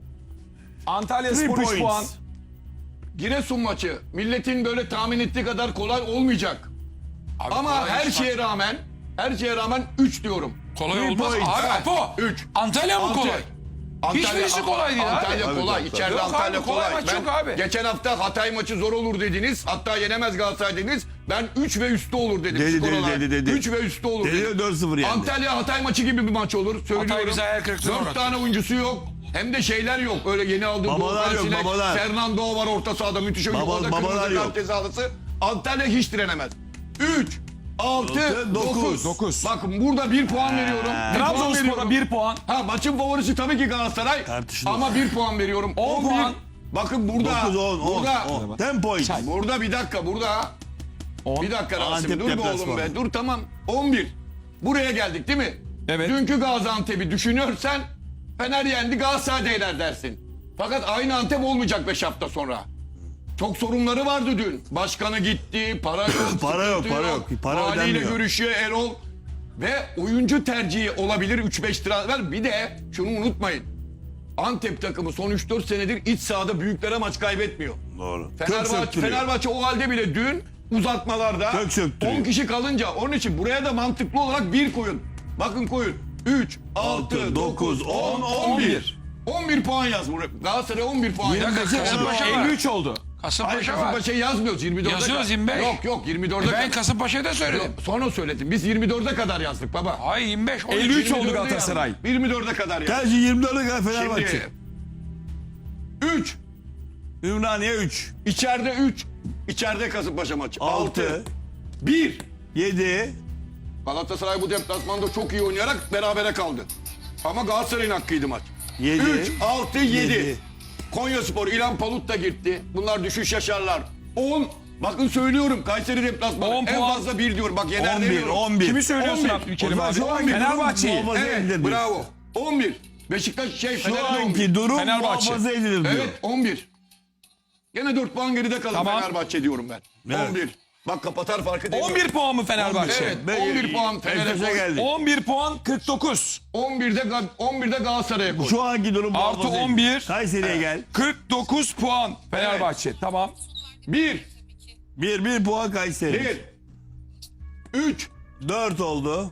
Speaker 4: Antalya
Speaker 2: Three
Speaker 4: Spor üç
Speaker 2: points.
Speaker 4: puan.
Speaker 1: Giresun maçı. Milletin böyle tahmin ettiği kadar kolay olmayacak.
Speaker 3: Abi
Speaker 1: Ama
Speaker 3: kolay
Speaker 1: her
Speaker 3: iş
Speaker 1: şeye
Speaker 3: var.
Speaker 1: rağmen her şeye rağmen üç diyorum.
Speaker 3: kolay
Speaker 2: Three
Speaker 3: olmaz.
Speaker 2: points.
Speaker 3: Abi
Speaker 1: Evet.
Speaker 3: Apo.
Speaker 1: Üç.
Speaker 3: Antalya mı
Speaker 1: Antalya.
Speaker 3: kolay?
Speaker 1: Antalya-
Speaker 3: Hiçbirisi kolay değil abi.
Speaker 1: Antalya
Speaker 2: Tabii,
Speaker 1: kolay.
Speaker 2: tabii,
Speaker 1: İçeride
Speaker 3: Yok
Speaker 1: Antalya
Speaker 3: abi, kolay
Speaker 1: kolay.
Speaker 3: maç yok abi.
Speaker 1: Geçen hafta Hatay maçı zor olur dediniz. Hatta yenemez Galatasaray dediniz. Ben üç ve üstü olur dedim.
Speaker 2: Dedi,
Speaker 1: skor
Speaker 2: dedi,
Speaker 1: olarak.
Speaker 2: dedi, dedi.
Speaker 1: üç ve üstü olur
Speaker 2: Dedi,
Speaker 1: dedim.
Speaker 2: dört sıfır yendi.
Speaker 1: Antalya Hatay maçı gibi bir maç olur. Söylüyorum.
Speaker 3: bize hayal kırıklığına
Speaker 1: Dört
Speaker 3: uğrattı.
Speaker 1: tane oyuncusu yok. Hem de şeyler yok. Öyle yeni aldığı
Speaker 2: Babalar
Speaker 1: Doğukan
Speaker 2: yok,
Speaker 1: Sinek,
Speaker 2: babalar.
Speaker 1: Fernando var orta sahada müthiş oyuncu.
Speaker 2: Baba-
Speaker 1: O da
Speaker 2: babalar
Speaker 1: kırmızı
Speaker 2: yok.
Speaker 1: kart cezalısı. Antalya hiç direnemez. üç, altı, dokuz.
Speaker 4: dokuz.
Speaker 1: Bakın burada bir puan veriyorum. Bir puan
Speaker 4: Trabzonspor'a
Speaker 1: veriyorum.
Speaker 4: bir puan.
Speaker 1: Ha maçın favorisi tabii ki Galatasaray.
Speaker 2: Tartışılır.
Speaker 1: Ama bir puan veriyorum.
Speaker 4: On
Speaker 1: on bir.
Speaker 4: puan.
Speaker 1: Bakın burada.
Speaker 2: dokuz, on, on,
Speaker 1: burada.
Speaker 2: on. ten point.
Speaker 1: Burada bir dakika burada.
Speaker 4: On.
Speaker 1: Bir dakika Rasim
Speaker 2: Antep
Speaker 1: dur be oğlum
Speaker 2: deplasmanı.
Speaker 1: be. Dur tamam. on bir. Buraya geldik değil mi?
Speaker 4: Evet.
Speaker 1: Dünkü Gaziantep'i düşünürsen Fener yendi Galatasaray da yener dersin. Fakat aynı Antep olmayacak beş hafta sonra. Çok sorunları vardı dün. Başkanı gitti, para yok.
Speaker 2: Para yok,
Speaker 1: sıkıntı
Speaker 2: para yok. Para
Speaker 1: Valiyle
Speaker 2: ödenmiyor.
Speaker 1: görüşüyor Erol. Ve oyuncu tercihi olabilir üç beş transfer. Bir de şunu unutmayın. Antep takımı son üç dört senedir iç sahada büyüklere maç kaybetmiyor.
Speaker 2: Doğru. Kök
Speaker 1: Fenerbahçe,
Speaker 2: söktürüyor.
Speaker 1: Fenerbahçe o halde bile dün uzatmalarda
Speaker 2: Kök söktürüyor.
Speaker 1: on kişi kalınca onun için buraya da mantıklı olarak bir koyun. Bakın koyun. üç, altı, dokuz, on, on bir. on bir puan yaz buraya. Galatasaray on bir puan yaz.
Speaker 2: beşe
Speaker 3: Kasımpaşa var.
Speaker 4: elli üç oldu.
Speaker 1: Hayır
Speaker 3: Kasımpaşa var.
Speaker 1: Kasımpaşa'yı yazmıyoruz. yirmi dörde
Speaker 3: Yazıyoruz,
Speaker 1: kadar.
Speaker 3: yirmi beş.
Speaker 1: Yok yok yirmi dörde
Speaker 3: Ben
Speaker 1: kadar.
Speaker 3: Kasımpaşa'yı da söyledim.
Speaker 1: Yok, sonra söyledim. Biz yirmi dörde kadar yazdık baba.
Speaker 3: Ay yirmi beş. on üç,
Speaker 4: elli üç
Speaker 3: yirmi
Speaker 4: oldu
Speaker 3: dört.
Speaker 4: Galatasaray.
Speaker 1: yirmi dörde kadar yazdık.
Speaker 2: Tercih yirmi dörde kadar Fenerbahçe.
Speaker 1: Şimdi üç.
Speaker 2: Ümraniye üç.
Speaker 1: İçeride üç. İçeride Kasımpaşa maçı.
Speaker 2: altı.
Speaker 1: altı. bir.
Speaker 2: yedi.
Speaker 1: Galatasaray bu deplasmanda çok iyi oynayarak berabere kaldı. Ama Galatasaray'ın hakkıydı maç.
Speaker 2: Yedi.
Speaker 1: üç, altı, yedi.
Speaker 2: Yedi.
Speaker 1: Konyaspor, İlhan Palut da gitti. Bunlar düşüş yaşarlar. on. Bakın söylüyorum Kayseri deplasmanı.
Speaker 4: on
Speaker 1: En
Speaker 4: puan.
Speaker 1: fazla bir diyorum. Bak yener
Speaker 2: on bir.
Speaker 1: demiyorum.
Speaker 2: on bir.
Speaker 4: Kimi söylüyorsun
Speaker 1: on bir.
Speaker 4: Abdülkerim
Speaker 2: O
Speaker 4: abi?
Speaker 2: zaman şu anki
Speaker 4: Fenerbahçe'yi.
Speaker 2: durum muhafaza edilir
Speaker 1: Evet
Speaker 2: diyorsun.
Speaker 1: bravo. on bir. Beşiktaş şey
Speaker 2: Şu
Speaker 1: Fener'de on bir.
Speaker 2: anki durum
Speaker 4: Fenerbahçe.
Speaker 2: muhafaza edilir diyor.
Speaker 1: Evet on bir. Gene dört puan geride kalır
Speaker 4: Tamam.
Speaker 1: Fenerbahçe diyorum ben.
Speaker 2: Evet.
Speaker 1: on bir. Bak kapatar farkı değil.
Speaker 4: on bir puan mı Fenerbahçe?
Speaker 1: Evet
Speaker 2: Ben-
Speaker 1: on bir puan Fener'e
Speaker 2: Beşiktaş'a
Speaker 1: koy.
Speaker 2: geldik.
Speaker 4: on bir puan kırk dokuz.
Speaker 1: on birde Ga- on birde Galatasaray'a koy.
Speaker 2: Şu anki durum
Speaker 4: Artı
Speaker 2: muhafaza edilir.
Speaker 4: on bir.
Speaker 2: Kayseri'ye gel.
Speaker 4: kırk dokuz puan Fenerbahçe. Tamam.
Speaker 1: bir.
Speaker 2: bir bir puan Kayseri.
Speaker 1: bir. üç.
Speaker 2: dört oldu.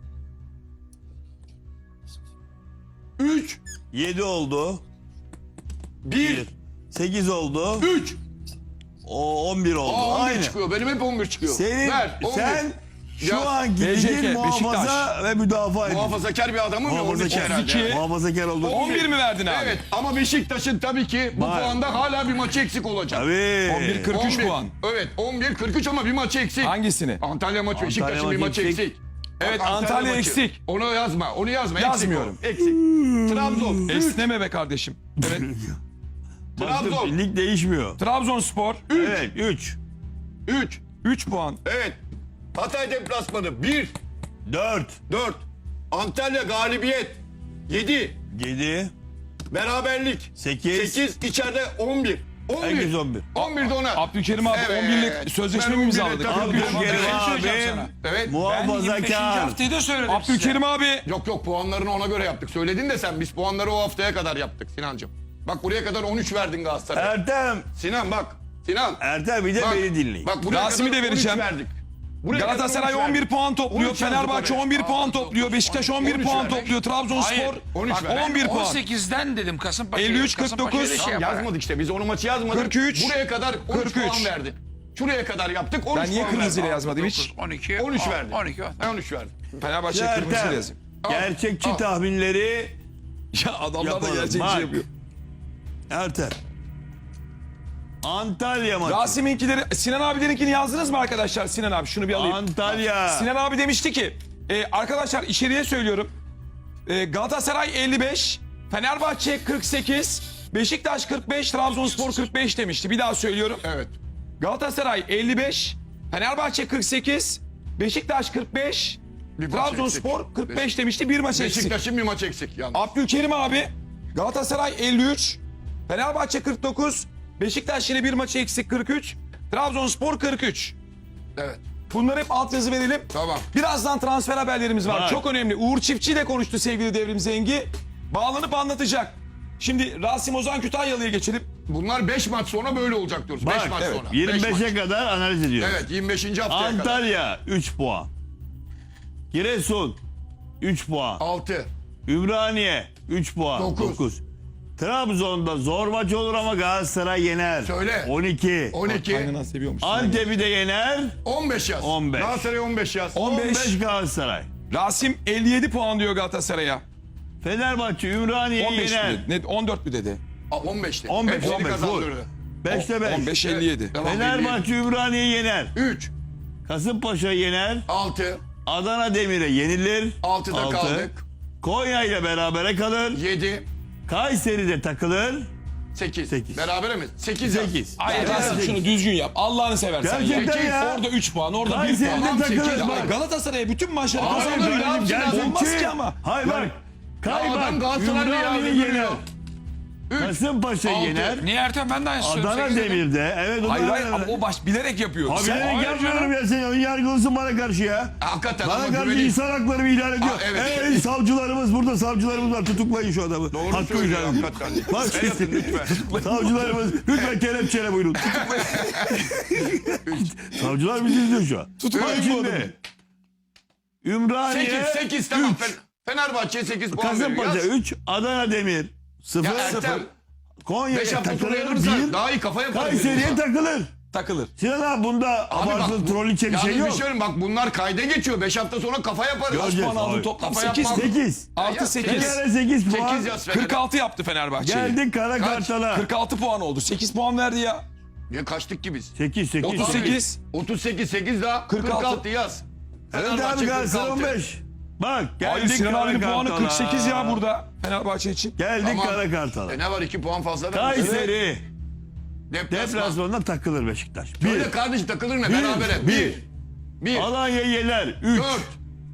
Speaker 1: üç.
Speaker 2: yedi oldu.
Speaker 1: bir.
Speaker 2: sekiz oldu.
Speaker 1: üç.
Speaker 2: O on bir oldu.
Speaker 1: Aa on bir
Speaker 2: Aynı.
Speaker 1: çıkıyor. Benim hep on bir çıkıyor.
Speaker 2: Senin,
Speaker 1: Ver, on bir.
Speaker 2: sen şu
Speaker 1: Ya,
Speaker 2: anki
Speaker 4: B J K,
Speaker 2: ligin muhafaza
Speaker 4: Beşiktaş.
Speaker 2: ve müdafaa ediyor.
Speaker 1: muhafazakar bir adamım ya onun için
Speaker 2: Muhafazakar.
Speaker 1: herhalde.
Speaker 4: iki.
Speaker 2: Muhafazakar oldu.
Speaker 4: on bir mi verdin abi?
Speaker 1: Evet ama Beşiktaş'ın tabii ki bu
Speaker 2: Var.
Speaker 1: puanda hala bir maçı eksik olacak.
Speaker 2: Tabii.
Speaker 4: on bir kırk üç
Speaker 1: on bir.
Speaker 4: puan.
Speaker 1: Evet on bir kırk üç ama bir maçı eksik.
Speaker 4: Hangisini?
Speaker 1: Antalya maçı Beşiktaş'ın bir
Speaker 2: maçı
Speaker 1: maçı
Speaker 2: eksik.
Speaker 1: eksik.
Speaker 4: Evet,
Speaker 1: Bak,
Speaker 4: Antalya
Speaker 1: maçı.
Speaker 4: eksik.
Speaker 1: Onu yazma. Onu yazma.
Speaker 4: Yazmıyorum.
Speaker 1: Eksik. o, eksik. Trabzon. üç.
Speaker 4: Esneme be kardeşim. Evet.
Speaker 1: Trabzon.
Speaker 2: Lig değişmiyor.
Speaker 4: Trabzonspor
Speaker 2: Evet üç.
Speaker 1: üç.
Speaker 4: üç puan.
Speaker 1: Evet. Hatay deplasmanı bir.
Speaker 2: dört,
Speaker 1: dört. Antalya galibiyet yedi.
Speaker 2: yedi,
Speaker 1: Beraberlik
Speaker 2: sekiz,
Speaker 1: sekiz. içeride on bir. on bir.
Speaker 2: herkes on bir.
Speaker 1: on bir de ona.
Speaker 4: Abdülkerim abi
Speaker 1: Evet.
Speaker 4: on birlik sözleşme
Speaker 1: Ben
Speaker 4: mi
Speaker 1: on birle
Speaker 4: imzaladık?
Speaker 1: takılıyorum.
Speaker 2: Abdülkerim
Speaker 3: Bir şey söyleyeceğim
Speaker 2: abi
Speaker 3: sana.
Speaker 1: Evet.
Speaker 3: Ben yirmi beşinci
Speaker 2: muhafazakar.
Speaker 3: haftayı da söyledim
Speaker 4: Abdülkerim abi.
Speaker 1: Yok yok puanlarını ona göre yaptık. Söyledin de sen biz puanları o haftaya kadar yaptık Sinancığım. Bak buraya kadar on üç verdin Galatasaray'a.
Speaker 2: Ertem,
Speaker 1: Sinan bak. Sinan.
Speaker 2: Ertem bir de
Speaker 1: Bak,
Speaker 2: beni dinleyin.
Speaker 1: Bak buraya
Speaker 4: Rasim'i
Speaker 1: kadar
Speaker 4: de vereceğim.
Speaker 1: on üç verdik. Buraya kadar
Speaker 4: Galatasaray
Speaker 1: on üç
Speaker 4: on bir
Speaker 1: verdik.
Speaker 4: puan topluyor.
Speaker 1: on üç yazdık
Speaker 4: Fenerbahçe
Speaker 1: oraya.
Speaker 4: on bir puan topluyor. Beşiktaş on bir
Speaker 1: on üç
Speaker 4: puan
Speaker 1: verdik.
Speaker 4: topluyor.
Speaker 3: Hayır,
Speaker 4: Trabzonspor
Speaker 1: on üç verdik.
Speaker 4: on bir puan.
Speaker 3: on sekizden dedim Kasımpaşa'ya.
Speaker 4: elli üç, kırk
Speaker 3: Kasımpaşa'ya
Speaker 4: dokuz.
Speaker 3: da şey
Speaker 1: Tamam,
Speaker 3: yapar.
Speaker 1: yazmadık işte biz onu maçı yazmadık.
Speaker 4: kırk üç,
Speaker 1: Buraya kadar on üç
Speaker 4: kırk üç.
Speaker 1: puan verdi. Şuraya kadar yaptık on üç
Speaker 4: Ben niye
Speaker 1: puan
Speaker 4: kırmızıyla
Speaker 1: verdi.
Speaker 4: yazmadım hiç?
Speaker 3: on iki.
Speaker 1: on üç verdi.
Speaker 3: on iki.
Speaker 1: on üç verdi.
Speaker 4: Fenerbahçe
Speaker 2: Ertem,
Speaker 4: kırmızıyla yazayım.
Speaker 2: gerçekçi
Speaker 1: Al.
Speaker 2: tahminleri
Speaker 4: Ya adamlar da
Speaker 2: yapalım.
Speaker 4: gerçekçi
Speaker 2: Bak,
Speaker 4: yapıyor.
Speaker 2: Ertem. Antalya maçı.
Speaker 4: Rasim'inkileri, Sinan abilerinkini yazdınız mı arkadaşlar? Sinan abi şunu bir alayım.
Speaker 2: Antalya.
Speaker 4: Sinan abi demişti ki e, arkadaşlar içeriye söylüyorum. E, Galatasaray elli beş, Fenerbahçe kırk sekiz, Beşiktaş kırk beş, Trabzonspor kırk beş demişti. Bir daha söylüyorum.
Speaker 1: Evet.
Speaker 4: Galatasaray elli beş, Fenerbahçe kırk sekiz, Beşiktaş kırk beş,
Speaker 1: Bir maç
Speaker 4: Trabzonspor
Speaker 1: eksik.
Speaker 4: kırk beş demişti. Bir maç eksik.
Speaker 1: Beşiktaş'ın bir maç eksik yalnız.
Speaker 4: Abdülkerim abi Galatasaray elli üç, Fenerbahçe kırk dokuz, Beşiktaş yine bir maçı eksik kırk üç, Trabzonspor kırk üç.
Speaker 1: Evet.
Speaker 4: Bunları hep altyazı verelim.
Speaker 1: Tamam.
Speaker 4: Birazdan transfer haberlerimiz var.
Speaker 2: Var.
Speaker 4: Çok önemli. Uğur Çiftçi ile konuştu sevgili Devrim Zengi. Bağlanıp anlatacak. Şimdi Rasim Ozan Kütahyalı'ya geçelim.
Speaker 1: Bunlar beş maç sonra böyle olacak diyoruz. beş
Speaker 2: Bak,
Speaker 1: maç
Speaker 2: evet,
Speaker 1: sonra. Beş
Speaker 2: yirmi beşe
Speaker 1: maç.
Speaker 2: kadar analiz ediyoruz.
Speaker 1: Evet yirmi beşinci haftaya kadar.
Speaker 2: Antalya üç puan. Giresun üç puan.
Speaker 1: altı.
Speaker 2: Ümraniye üç puan.
Speaker 1: Dokuz.
Speaker 2: dokuz. Trabzon'da zor maç olur ama Galatasaray yener.
Speaker 1: Söyle.
Speaker 2: on iki.
Speaker 1: on iki.
Speaker 4: Kaynana seviyormuş.
Speaker 2: Antep'i de yener.
Speaker 1: on beş yaz.
Speaker 2: on beş.
Speaker 1: Galatasaray on beş yaz.
Speaker 4: on beş.
Speaker 2: on beş Galatasaray.
Speaker 4: Rasim elli yedi puan diyor Galatasaray'a.
Speaker 2: Fenerbahçe Ümraniye'yi
Speaker 4: on beş mi
Speaker 2: yener.
Speaker 4: dedi? Ne, on dört mü dedi?
Speaker 1: Aa, on beşti.
Speaker 2: on beş,
Speaker 1: Hepsini
Speaker 2: on beş,
Speaker 1: kazandırdı.
Speaker 2: beşte beş.
Speaker 4: on beş elli yedi.
Speaker 1: Devam
Speaker 2: Fenerbahçe Ümraniye'yi yener.
Speaker 1: üç.
Speaker 2: Kasımpaşa'yı yener.
Speaker 1: altı.
Speaker 2: Adana Demir'e yenilir.
Speaker 1: altıda
Speaker 2: Altı.
Speaker 1: kaldık.
Speaker 2: Konya ile berabere kalır.
Speaker 1: yedi.
Speaker 2: Kayseri'de takılır.
Speaker 1: sekiz.
Speaker 2: Sekiz.
Speaker 1: Berabere mi? sekiz yaz.
Speaker 2: sekiz.
Speaker 4: Hayır
Speaker 2: Gerçekten
Speaker 4: Rasim
Speaker 2: sekiz.
Speaker 4: şunu düzgün yap. Allah'ını seversen. ya.
Speaker 2: Gerçekten ya.
Speaker 4: Orada üç puan, orada bir
Speaker 2: Kayseri'de
Speaker 4: puan.
Speaker 2: takılır.
Speaker 1: sekiz.
Speaker 2: Bak,
Speaker 4: Galatasaray'a bütün maçları
Speaker 1: Hayır,
Speaker 4: kazandırıyor.
Speaker 1: böyle
Speaker 4: Abi,
Speaker 1: yapsın adam.
Speaker 4: Olmaz ki ama.
Speaker 2: Hayır bak. Kay
Speaker 1: Ya
Speaker 2: bak.
Speaker 1: adam Galatasaray'da ya,
Speaker 2: Ümraniye'yi
Speaker 1: görüyor.
Speaker 2: yener.
Speaker 1: üç.
Speaker 2: Kasımpaşa'yı
Speaker 1: Altı.
Speaker 2: yener.
Speaker 3: Niye Ertem ben de aynı
Speaker 2: Adana Demir'de. Evet.
Speaker 4: Hayır
Speaker 2: Adana
Speaker 4: hayır ama o baş bilerek yapıyor.
Speaker 2: Abi
Speaker 4: Sen-
Speaker 2: bilerek
Speaker 3: Hayır
Speaker 2: yapmıyorum
Speaker 3: canım.
Speaker 2: ya, sen ön yargılısın bana karşı ya.
Speaker 1: Hakikaten
Speaker 2: Bana
Speaker 1: ama
Speaker 2: karşı
Speaker 1: güveneyim.
Speaker 2: insan hakları ihlal ediyor.
Speaker 1: Aa, evet.
Speaker 2: Ey savcılarımız burada, savcılarımız var, tutuklayın şu adamı.
Speaker 1: Doğru
Speaker 2: Hakkı
Speaker 1: söylüyor
Speaker 2: ihlal ediyor.
Speaker 1: hakikaten.
Speaker 2: Bak
Speaker 1: El atın lütfen.
Speaker 2: savcılarımız lütfen kelepçeyle buyurun. Savcılar bizi izliyor şu an.
Speaker 4: Tutuklayın
Speaker 2: Bak
Speaker 4: bu
Speaker 2: şimdi.
Speaker 4: adamı.
Speaker 2: Ümraniye
Speaker 1: sekiz. sekiz tamam.
Speaker 2: üç.
Speaker 1: Fen- Fenerbahçe'ye sekiz puan veriyor.
Speaker 2: Kasımpaşa
Speaker 1: Yaz.
Speaker 2: üç, Adana Demir sıfır,
Speaker 1: Ya Ertem.
Speaker 2: Konya'ya
Speaker 1: beş hafta sonra
Speaker 2: takılır
Speaker 1: yanırsa
Speaker 2: bir,
Speaker 1: daha iyi kafa yaparız.
Speaker 2: Kayseri'ye takılır.
Speaker 4: takılır.
Speaker 2: Sinan abi bunda
Speaker 1: Abi bak,
Speaker 2: abartılı
Speaker 1: bu-
Speaker 2: trolliçe bir
Speaker 1: Yalnız
Speaker 2: şey
Speaker 1: bir
Speaker 2: yok.
Speaker 1: şey söyleyeyim, bak bunlar kayda geçiyor. beş hafta sonra kafa yaparız.
Speaker 2: Göreceğiz.
Speaker 4: Puan aldı
Speaker 2: Abi.
Speaker 4: toplam
Speaker 1: Kafa
Speaker 4: sekiz.
Speaker 1: yapmam.
Speaker 2: sekiz.
Speaker 4: Artı
Speaker 1: Ya,
Speaker 4: sekiz.
Speaker 2: Bir kere sekiz puan.
Speaker 1: sekiz yaz Fener'e.
Speaker 4: kırk altı yaptı Fenerbahçe'yi.
Speaker 2: Geldik Kara
Speaker 1: Kaç?
Speaker 2: Kartal'a.
Speaker 4: kırk altı puan oldu. sekiz puan verdi ya.
Speaker 1: Ya kaçtık ki biz?
Speaker 2: sekiz, sekiz.
Speaker 4: otuz sekiz.
Speaker 1: otuz sekiz sekiz daha
Speaker 4: kırk altı.
Speaker 1: kırk altı yaz.
Speaker 2: Evet
Speaker 1: Fenerbahçe
Speaker 2: abi Galatasaray
Speaker 1: kırk
Speaker 2: on
Speaker 1: altı.
Speaker 2: beş. Bak
Speaker 4: Hayır
Speaker 2: geldik
Speaker 4: Sinan
Speaker 2: Kara
Speaker 4: abinin puanı
Speaker 2: Kartal'a.
Speaker 4: kırk sekiz ya burada Fenerbahçe için.
Speaker 2: Geldik
Speaker 1: Tamam.
Speaker 2: Kara Kartal'a.
Speaker 1: E ne var iki puan fazla vermiş.
Speaker 2: Kayseri
Speaker 1: Deplasman.
Speaker 2: deplasmanına takılır Beşiktaş. Bir.
Speaker 1: Öyle kardeş takılır ne
Speaker 2: Bir.
Speaker 1: berabere.
Speaker 2: Bir.
Speaker 1: Bir. Bir.
Speaker 2: Alanya'yı yener. Üç.
Speaker 1: Dört.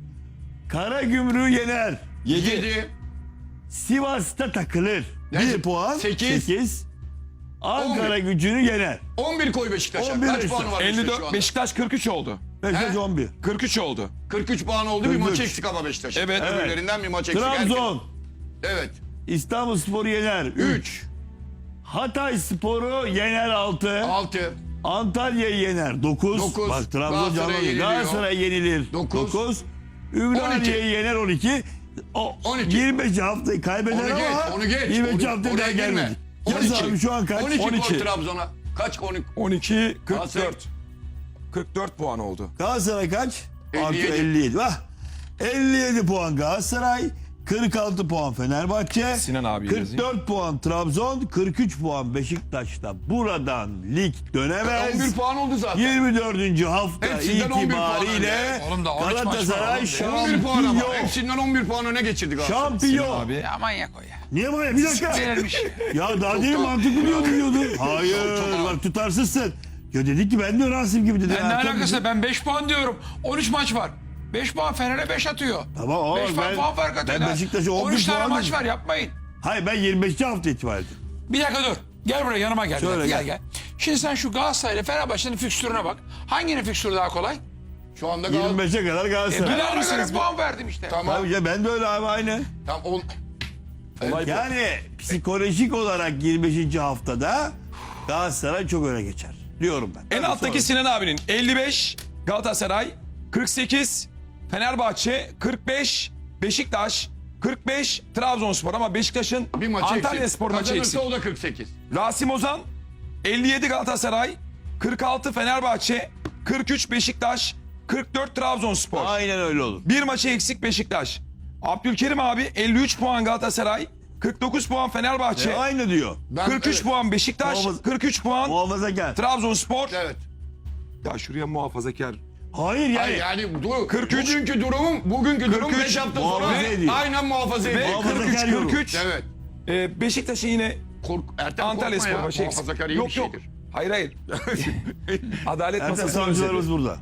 Speaker 2: Karagümrük'ü yener.
Speaker 4: yedi.
Speaker 1: Yedi.
Speaker 2: Sivas'ta takılır.
Speaker 1: Yani
Speaker 2: Bir puan.
Speaker 1: sekiz.
Speaker 2: Sekiz. Ankara gücünü yener.
Speaker 1: on bir koy Beşiktaş'a.
Speaker 2: on bir
Speaker 1: Kaç
Speaker 2: Beşiktaş.
Speaker 1: puanı var
Speaker 4: elli
Speaker 1: Beşiktaş şu
Speaker 4: dört.
Speaker 1: anda?
Speaker 4: Beşiktaş kırk üç oldu.
Speaker 2: Beşiktaş
Speaker 1: He?
Speaker 2: on bir.
Speaker 4: kırk üç oldu.
Speaker 1: kırk üç puan oldu. Bir
Speaker 2: kırk üç.
Speaker 1: maç eksik ama Beşiktaş.
Speaker 4: Evet.
Speaker 2: Evet.
Speaker 1: Öbürlerinden bir maç eksik.
Speaker 2: Trabzon.
Speaker 1: Evet.
Speaker 2: İstanbulspor'u yener. Üç.
Speaker 1: üç.
Speaker 2: Hatay Spor'u yener altı.
Speaker 1: altı.
Speaker 2: Antalya'yı yener dokuz.
Speaker 1: Dokuz.
Speaker 2: Bak Trabzon
Speaker 1: Galatasaray
Speaker 2: canlı.
Speaker 1: yeniliyor.
Speaker 2: Galatasaray yenilir.
Speaker 1: Dokuz.
Speaker 2: dokuz. Ümraniye'yi
Speaker 1: on iki.
Speaker 2: yener on iki. O
Speaker 1: on iki.
Speaker 2: yirmi beş haftayı kaybeder
Speaker 1: Onu geç,
Speaker 2: ama
Speaker 1: onu geç.
Speaker 2: yirmi beş
Speaker 1: Onu-
Speaker 2: haftaya
Speaker 1: oraya
Speaker 2: daha
Speaker 1: girme.
Speaker 2: gelmedik.
Speaker 1: on
Speaker 2: Yaz
Speaker 1: iki.
Speaker 2: abi şu an kaç?
Speaker 1: on iki,
Speaker 4: on iki.
Speaker 1: koy Trabzon'a. Kaç? on iki.
Speaker 4: on iki kırk
Speaker 1: Galatasaray.
Speaker 4: dört. kırk dört puan oldu.
Speaker 2: Galatasaray kaç?
Speaker 1: elli
Speaker 2: Artı
Speaker 1: yedi.
Speaker 2: elli yedi. Bak. elli yedi puan Galatasaray. kırk altı puan Fenerbahçe.
Speaker 4: Sinan abi
Speaker 2: kırk dört puan Trabzon. kırk üç puan Beşiktaş'ta. Buradan lig dönemez.
Speaker 1: on bir puan oldu zaten.
Speaker 2: yirmi dördüncü hafta
Speaker 1: Hepsinden on bir puan
Speaker 2: itibariyle
Speaker 1: önde.
Speaker 3: Oğlum da on üç maç var
Speaker 2: Galatasaray
Speaker 3: oğlum.
Speaker 1: on bir puan ama.
Speaker 2: şampiyon.
Speaker 1: Hepsinden on bir puan öne geçirdi Galatasaray.
Speaker 2: Şampiyon.
Speaker 4: Abi.
Speaker 3: Ya manyak o ya.
Speaker 2: Niye böyle? Bir dakika.
Speaker 3: Verilmiş.
Speaker 2: Ya daha değil
Speaker 1: Çok-
Speaker 2: mantıklı diyordun diyordun. Hayır
Speaker 1: Çok- çok-
Speaker 2: bak tutarsızsın. Ya dedi ki ben de Rasim gibi dedi.
Speaker 3: Ben ne
Speaker 2: Ertem
Speaker 3: alakası?
Speaker 2: dedi.
Speaker 3: Ben beş puan diyorum. on üç maç var. beş puan Fener'e beş atıyor.
Speaker 2: Tamam ama
Speaker 3: beş puan
Speaker 2: ben-
Speaker 3: puan fark atıyor.
Speaker 2: ben Beşiktaş'a on
Speaker 3: on
Speaker 2: bir
Speaker 3: üç tane
Speaker 2: puan
Speaker 3: maç
Speaker 2: dedim.
Speaker 3: var, yapmayın.
Speaker 2: Hayır ben yirmi beşinci hafta itibariyle.
Speaker 3: Bir dakika dur. Gel buraya, yanıma gel.
Speaker 2: Şöyle
Speaker 3: gel,
Speaker 2: gel.
Speaker 3: gel. Şimdi sen şu Galatasaray ile Fenerbahçe'nin fikstürüne bak. Hanginin fikstürü daha kolay?
Speaker 1: Şu anda
Speaker 2: yirmi
Speaker 1: Galatasaray.
Speaker 2: beşe kadar
Speaker 3: Ben
Speaker 2: Galatasaray.
Speaker 3: ona göre
Speaker 4: misiniz?
Speaker 3: puan verdim işte.
Speaker 1: Tamam.
Speaker 2: Tabii ya ben de öyle abi aynı.
Speaker 1: Tamam. On...
Speaker 2: Yani psikolojik olarak yirmi beşinci haftada Galatasaray çok öne geçer. Diyorum ben.
Speaker 4: En
Speaker 2: Tabii
Speaker 4: alttaki
Speaker 2: sonra.
Speaker 4: Sinan abinin elli beş, Galatasaray kırk sekiz, Fenerbahçe kırk beş, Beşiktaş kırk beş, Trabzonspor ama Beşiktaş'ın
Speaker 1: Bir maçı
Speaker 4: Antalya
Speaker 1: eksik.
Speaker 4: Spor maçı
Speaker 1: Kazanırsa
Speaker 4: eksik.
Speaker 1: o da kırk sekiz.
Speaker 4: Rasim Ozan elli yedi Galatasaray, kırk altı Fenerbahçe, kırk üç Beşiktaş, kırk dört Trabzonspor.
Speaker 2: Aynen öyle olur.
Speaker 4: Bir maçı eksik Beşiktaş. Abdülkerim abi elli üç puan Galatasaray, kırk dokuz puan Fenerbahçe,
Speaker 2: E, aynı diyor.
Speaker 1: Ben-
Speaker 4: kırk üç
Speaker 1: evet.
Speaker 4: puan Beşiktaş,
Speaker 2: Muhafaza-
Speaker 4: kırk üç puan
Speaker 2: Muhafazakar.
Speaker 4: Trabzonspor.
Speaker 1: Evet.
Speaker 4: Ya şuraya muhafazakar.
Speaker 2: Hayır yani.
Speaker 1: Hayır yani dur,
Speaker 4: kırk üç.
Speaker 1: bugünkü durumum bugünkü durum
Speaker 4: kırk üç
Speaker 1: beş hafta sonra
Speaker 2: muhafaza ediyor.
Speaker 1: aynen muhafaza
Speaker 4: Ve
Speaker 1: ediyor.
Speaker 2: Muhafaza-
Speaker 4: kırk üç
Speaker 2: yorum.
Speaker 4: kırk üç.
Speaker 1: Evet.
Speaker 4: Ee, Beşiktaş'ın yine
Speaker 1: Kork, Ertem
Speaker 4: Antalya
Speaker 1: korkma
Speaker 4: Spor
Speaker 1: ya.
Speaker 4: maçı eksik.
Speaker 1: Muhafazakar iyi
Speaker 4: Yok
Speaker 1: bir
Speaker 4: yok.
Speaker 1: şeydir.
Speaker 4: Hayır hayır. Adalet
Speaker 2: Ertem
Speaker 4: masası
Speaker 2: savcılarımız
Speaker 4: özledi.
Speaker 2: burada.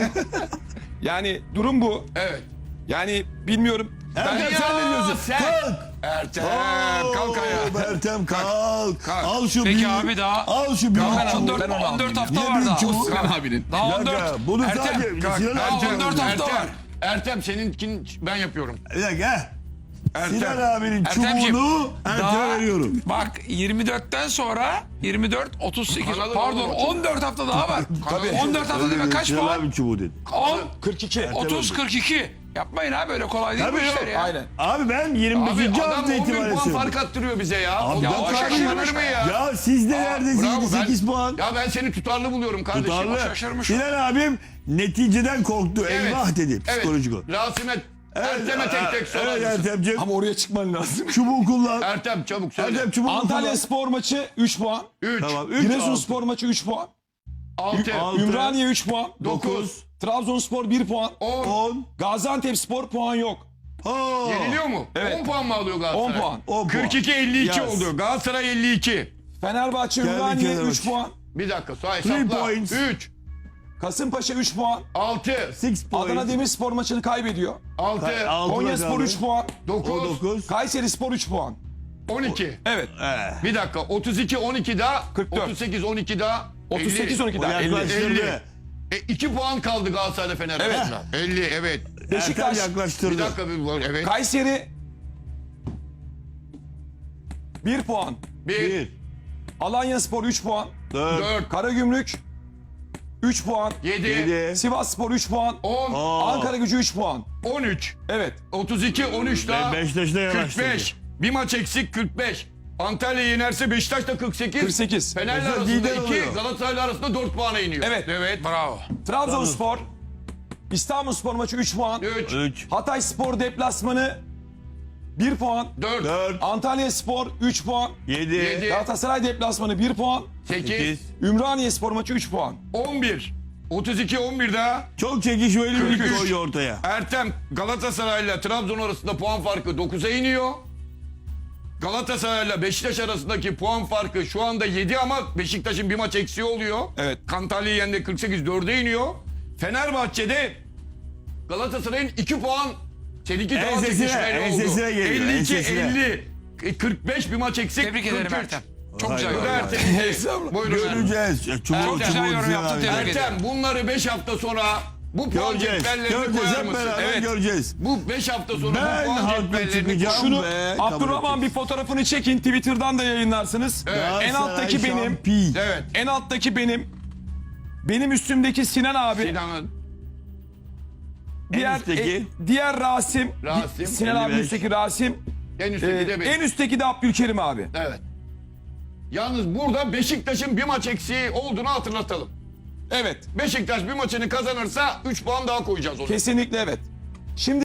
Speaker 4: Yani durum bu.
Speaker 1: Evet.
Speaker 4: Yani bilmiyorum.
Speaker 2: Ertem
Speaker 1: Ya
Speaker 2: sen ne diyorsun?
Speaker 1: sen-
Speaker 2: Kalk.
Speaker 1: Ertem
Speaker 2: Oo,
Speaker 1: kalk ayağa.
Speaker 2: Ertem kalk.
Speaker 1: Kalk.
Speaker 2: Al şu
Speaker 3: Peki
Speaker 2: büyük.
Speaker 3: abi daha-
Speaker 2: Al şu büyük.
Speaker 3: Daha
Speaker 2: çubuğu.
Speaker 3: on dört,
Speaker 4: ben onu
Speaker 3: on dört hafta
Speaker 2: Niye
Speaker 3: var
Speaker 2: büyük
Speaker 3: daha.
Speaker 2: çubuğu?
Speaker 1: Sinan abinin.
Speaker 3: Daha
Speaker 2: Bir
Speaker 3: on
Speaker 2: dakika,
Speaker 3: dört.
Speaker 2: bunu
Speaker 3: Ertem,
Speaker 2: sadece
Speaker 1: kalk.
Speaker 2: Sinan
Speaker 3: Daha
Speaker 2: Ertem.
Speaker 3: on dört hafta
Speaker 1: Ertem,
Speaker 3: var.
Speaker 1: Ertem seninkini ben yapıyorum.
Speaker 2: Bir dakika.
Speaker 1: Ertem.
Speaker 2: Sinan abinin
Speaker 3: Ertemciğim,
Speaker 2: çubuğunu Ertem'e
Speaker 3: daha-
Speaker 2: veriyorum.
Speaker 3: Bak yirmi dörtten sonra yirmi dört, otuz sekiz,
Speaker 1: Kanalı
Speaker 3: pardon
Speaker 1: olur.
Speaker 3: on dört hafta daha var.
Speaker 1: Tabii.
Speaker 3: on dört hafta demek kaç
Speaker 2: Sinan
Speaker 3: puan?
Speaker 2: abinin çubuğu dedi.
Speaker 3: on,
Speaker 4: kırk iki.
Speaker 3: otuz, kırk iki. Yapmayın abi, öyle kolay değil bu
Speaker 2: Tabii
Speaker 3: işler
Speaker 2: yok.
Speaker 3: ya.
Speaker 4: Aynen.
Speaker 2: Abi ben yirmi
Speaker 1: Abi
Speaker 2: beşinci
Speaker 1: adam
Speaker 2: hafta
Speaker 1: on bin
Speaker 2: itibariyle
Speaker 1: puan
Speaker 2: söylüyorum.
Speaker 1: fark attırıyor bize ya.
Speaker 2: Abi
Speaker 1: ya
Speaker 2: ben
Speaker 1: o
Speaker 2: fark
Speaker 1: şaşırılır mı ya?
Speaker 2: Ya siz neredesiniz?
Speaker 1: Bravo, ben-
Speaker 2: sekiz puan.
Speaker 1: Ya ben seni tutarlı buluyorum kardeşim.
Speaker 2: Tutarlı.
Speaker 3: şaşırmış.
Speaker 2: Sinan abim neticeden korktu.
Speaker 1: Evet.
Speaker 2: Eyvah dedi.
Speaker 1: Evet.
Speaker 2: Psikolojik o.
Speaker 1: Rasim'e, Ertem'e tek tek sorar
Speaker 2: Evet
Speaker 1: mısın?
Speaker 2: Ertem'ciğim.
Speaker 4: Ama oraya çıkman lazım.
Speaker 2: Çubuğu kullan.
Speaker 1: Ertem çabuk söyle.
Speaker 2: Ertem çubuğu
Speaker 4: Antalya
Speaker 2: kullan.
Speaker 4: Spor maçı üç puan.
Speaker 1: üç,
Speaker 2: Tamam. üç,
Speaker 4: Giresunspor maçı üç puan.
Speaker 1: altı,
Speaker 2: altı,
Speaker 4: Ümraniye üç puan.
Speaker 1: dokuz,
Speaker 4: Trabzonspor bir puan.
Speaker 1: on.
Speaker 2: on.
Speaker 4: Gaziantepspor puan yok.
Speaker 2: Oo.
Speaker 1: Yeniliyor mu?
Speaker 4: Evet.
Speaker 1: on puan mı alıyor Galatasaray?
Speaker 4: on puan.
Speaker 2: on puan.
Speaker 1: kırk iki elli iki
Speaker 2: Yaz.
Speaker 1: oldu. Galatasaray elli iki.
Speaker 4: Fenerbahçe
Speaker 2: Geldi
Speaker 4: Ümraniye
Speaker 2: kenara
Speaker 4: üç
Speaker 2: bak.
Speaker 4: puan.
Speaker 1: Bir dakika say
Speaker 2: Three
Speaker 1: hesapla.
Speaker 2: points.
Speaker 1: üç,
Speaker 4: Kasımpaşa üç puan.
Speaker 1: altı,
Speaker 2: Six points.
Speaker 4: Adana Demirspor maçını kaybediyor.
Speaker 1: altı,
Speaker 2: Altı
Speaker 4: Konyaspor
Speaker 2: kaldı.
Speaker 4: üç puan.
Speaker 2: O
Speaker 1: dokuz,
Speaker 2: dokuz.
Speaker 4: Kayseri Spor üç puan.
Speaker 1: on iki.
Speaker 4: Evet.
Speaker 2: Eh.
Speaker 1: Bir dakika otuz iki on iki daha,
Speaker 4: kırk dört.
Speaker 1: otuz sekiz on iki daha,
Speaker 4: otuz sekiz on
Speaker 1: elli.
Speaker 4: iki
Speaker 2: O
Speaker 4: daha. elli.
Speaker 2: yaklaştırdı.
Speaker 1: E, iki puan kaldı Galatasaray'da Fenerbahçe'den. elli evet.
Speaker 4: Beşiktaş,
Speaker 2: Ertem yaklaştırdı.
Speaker 1: Bir dakika bir evet.
Speaker 4: Kayseri bir puan.
Speaker 1: bir,
Speaker 2: Bir.
Speaker 4: Alanyaspor üç puan.
Speaker 2: Dört.
Speaker 1: dört,
Speaker 4: Karagümrük üç puan.
Speaker 1: yedi,
Speaker 2: Yedi.
Speaker 4: Sivasspor üç puan.
Speaker 1: on,
Speaker 2: Aa.
Speaker 4: Ankara Gücü üç puan.
Speaker 1: on üç,
Speaker 4: Evet.
Speaker 1: otuz iki on üç daha,
Speaker 2: Be- Beşiktaş'ta
Speaker 1: kırk
Speaker 2: yanaştırdı.
Speaker 1: beş. Bir maç eksik kırk beş. Antalya yenerse Beşiktaş da kırk sekiz.
Speaker 4: kırk sekiz.
Speaker 1: Fener'le
Speaker 2: Mesela
Speaker 1: arasında
Speaker 2: lider
Speaker 1: iki,
Speaker 2: oluyor.
Speaker 1: Galatasaray'la arasında dört puana iniyor.
Speaker 4: Evet.
Speaker 1: Evet. Bravo.
Speaker 4: Trabzonspor İstanbulspor maçı üç puan.
Speaker 1: üç,
Speaker 2: Üç.
Speaker 4: Hatay Spor deplasmanı bir puan.
Speaker 1: dört,
Speaker 2: Dört.
Speaker 4: Antalya Spor üç puan.
Speaker 2: Yedi.
Speaker 1: Yedi.
Speaker 4: Galatasaray deplasmanı bir puan.
Speaker 1: sekiz,
Speaker 2: Sekiz.
Speaker 4: Ümraniye Spor maçı üç puan.
Speaker 1: on bir, otuz iki on bir daha.
Speaker 2: Çok çekişmeli bir
Speaker 1: kırk üç.
Speaker 2: lig koyuyor ortaya.
Speaker 1: Ertem Galatasaray'la Trabzon arasında puan farkı dokuza iniyor. Galatasaray'la Beşiktaş arasındaki puan farkı şu anda yedi ama Beşiktaş'ın bir maç eksiği oluyor.
Speaker 4: Evet.
Speaker 1: Antalya yendi kırk sekiz dörde iniyor. Fenerbahçe'de Galatasaray'ın iki puan seninki daha
Speaker 2: Ensesine,
Speaker 1: çekişmeli oldu.
Speaker 2: ensesine geliyor,
Speaker 1: elli iki
Speaker 2: ensesine.
Speaker 1: elli, kırk beş bir maç eksik.
Speaker 3: Tebrik ederim
Speaker 1: kırk üç.
Speaker 3: Ertem. Çok
Speaker 2: Hayır,
Speaker 3: güzel
Speaker 1: Bu da
Speaker 2: hayır.
Speaker 3: yorum.
Speaker 1: Ertem'in. Buyurun efendim.
Speaker 2: Göreceğiz. Çubuğu çubuğu
Speaker 3: güzel yorum
Speaker 2: Sinan
Speaker 3: yaptın,
Speaker 2: abi.
Speaker 3: tebrik ederim.
Speaker 1: Ertem bunları beş hafta sonra bu puan
Speaker 2: Göreceğiz.
Speaker 1: cetvellerini
Speaker 2: Göreceğiz.
Speaker 1: koyar
Speaker 2: Hep
Speaker 1: mısın?
Speaker 2: beraber
Speaker 1: Evet.
Speaker 2: göreceğiz.
Speaker 1: Bu beş hafta sonra
Speaker 2: Ben
Speaker 1: bu puan
Speaker 2: haklı
Speaker 1: cetvellerini
Speaker 2: çıkacağım
Speaker 1: koy.
Speaker 4: Şunu
Speaker 2: ve kabul
Speaker 4: Abdurrahman bir
Speaker 2: edeceğiz.
Speaker 4: fotoğrafını çekin, Twitter'dan da yayınlarsınız. En alttaki
Speaker 2: Galatasaray
Speaker 4: benim.
Speaker 2: şampiyon.
Speaker 1: Evet.
Speaker 4: En alttaki benim. Benim üstümdeki Sinan abi.
Speaker 1: Sinan'ın
Speaker 4: diğer
Speaker 2: üstteki?
Speaker 4: e, diğer Rasim.
Speaker 1: Rasim,
Speaker 4: Di- Sinan
Speaker 2: elli
Speaker 4: abinin
Speaker 2: beş.
Speaker 4: üstteki Rasim.
Speaker 1: en
Speaker 4: Ee,
Speaker 1: üstteki de benim.
Speaker 4: en üstteki de Abdülkerim abi.
Speaker 1: Evet. Yalnız burada Beşiktaş'ın bir maç eksiği olduğunu hatırlatalım.
Speaker 4: Evet.
Speaker 1: Beşiktaş bir maçını kazanırsa üç puan daha koyacağız ona.
Speaker 4: Kesinlikle evet. Şimdi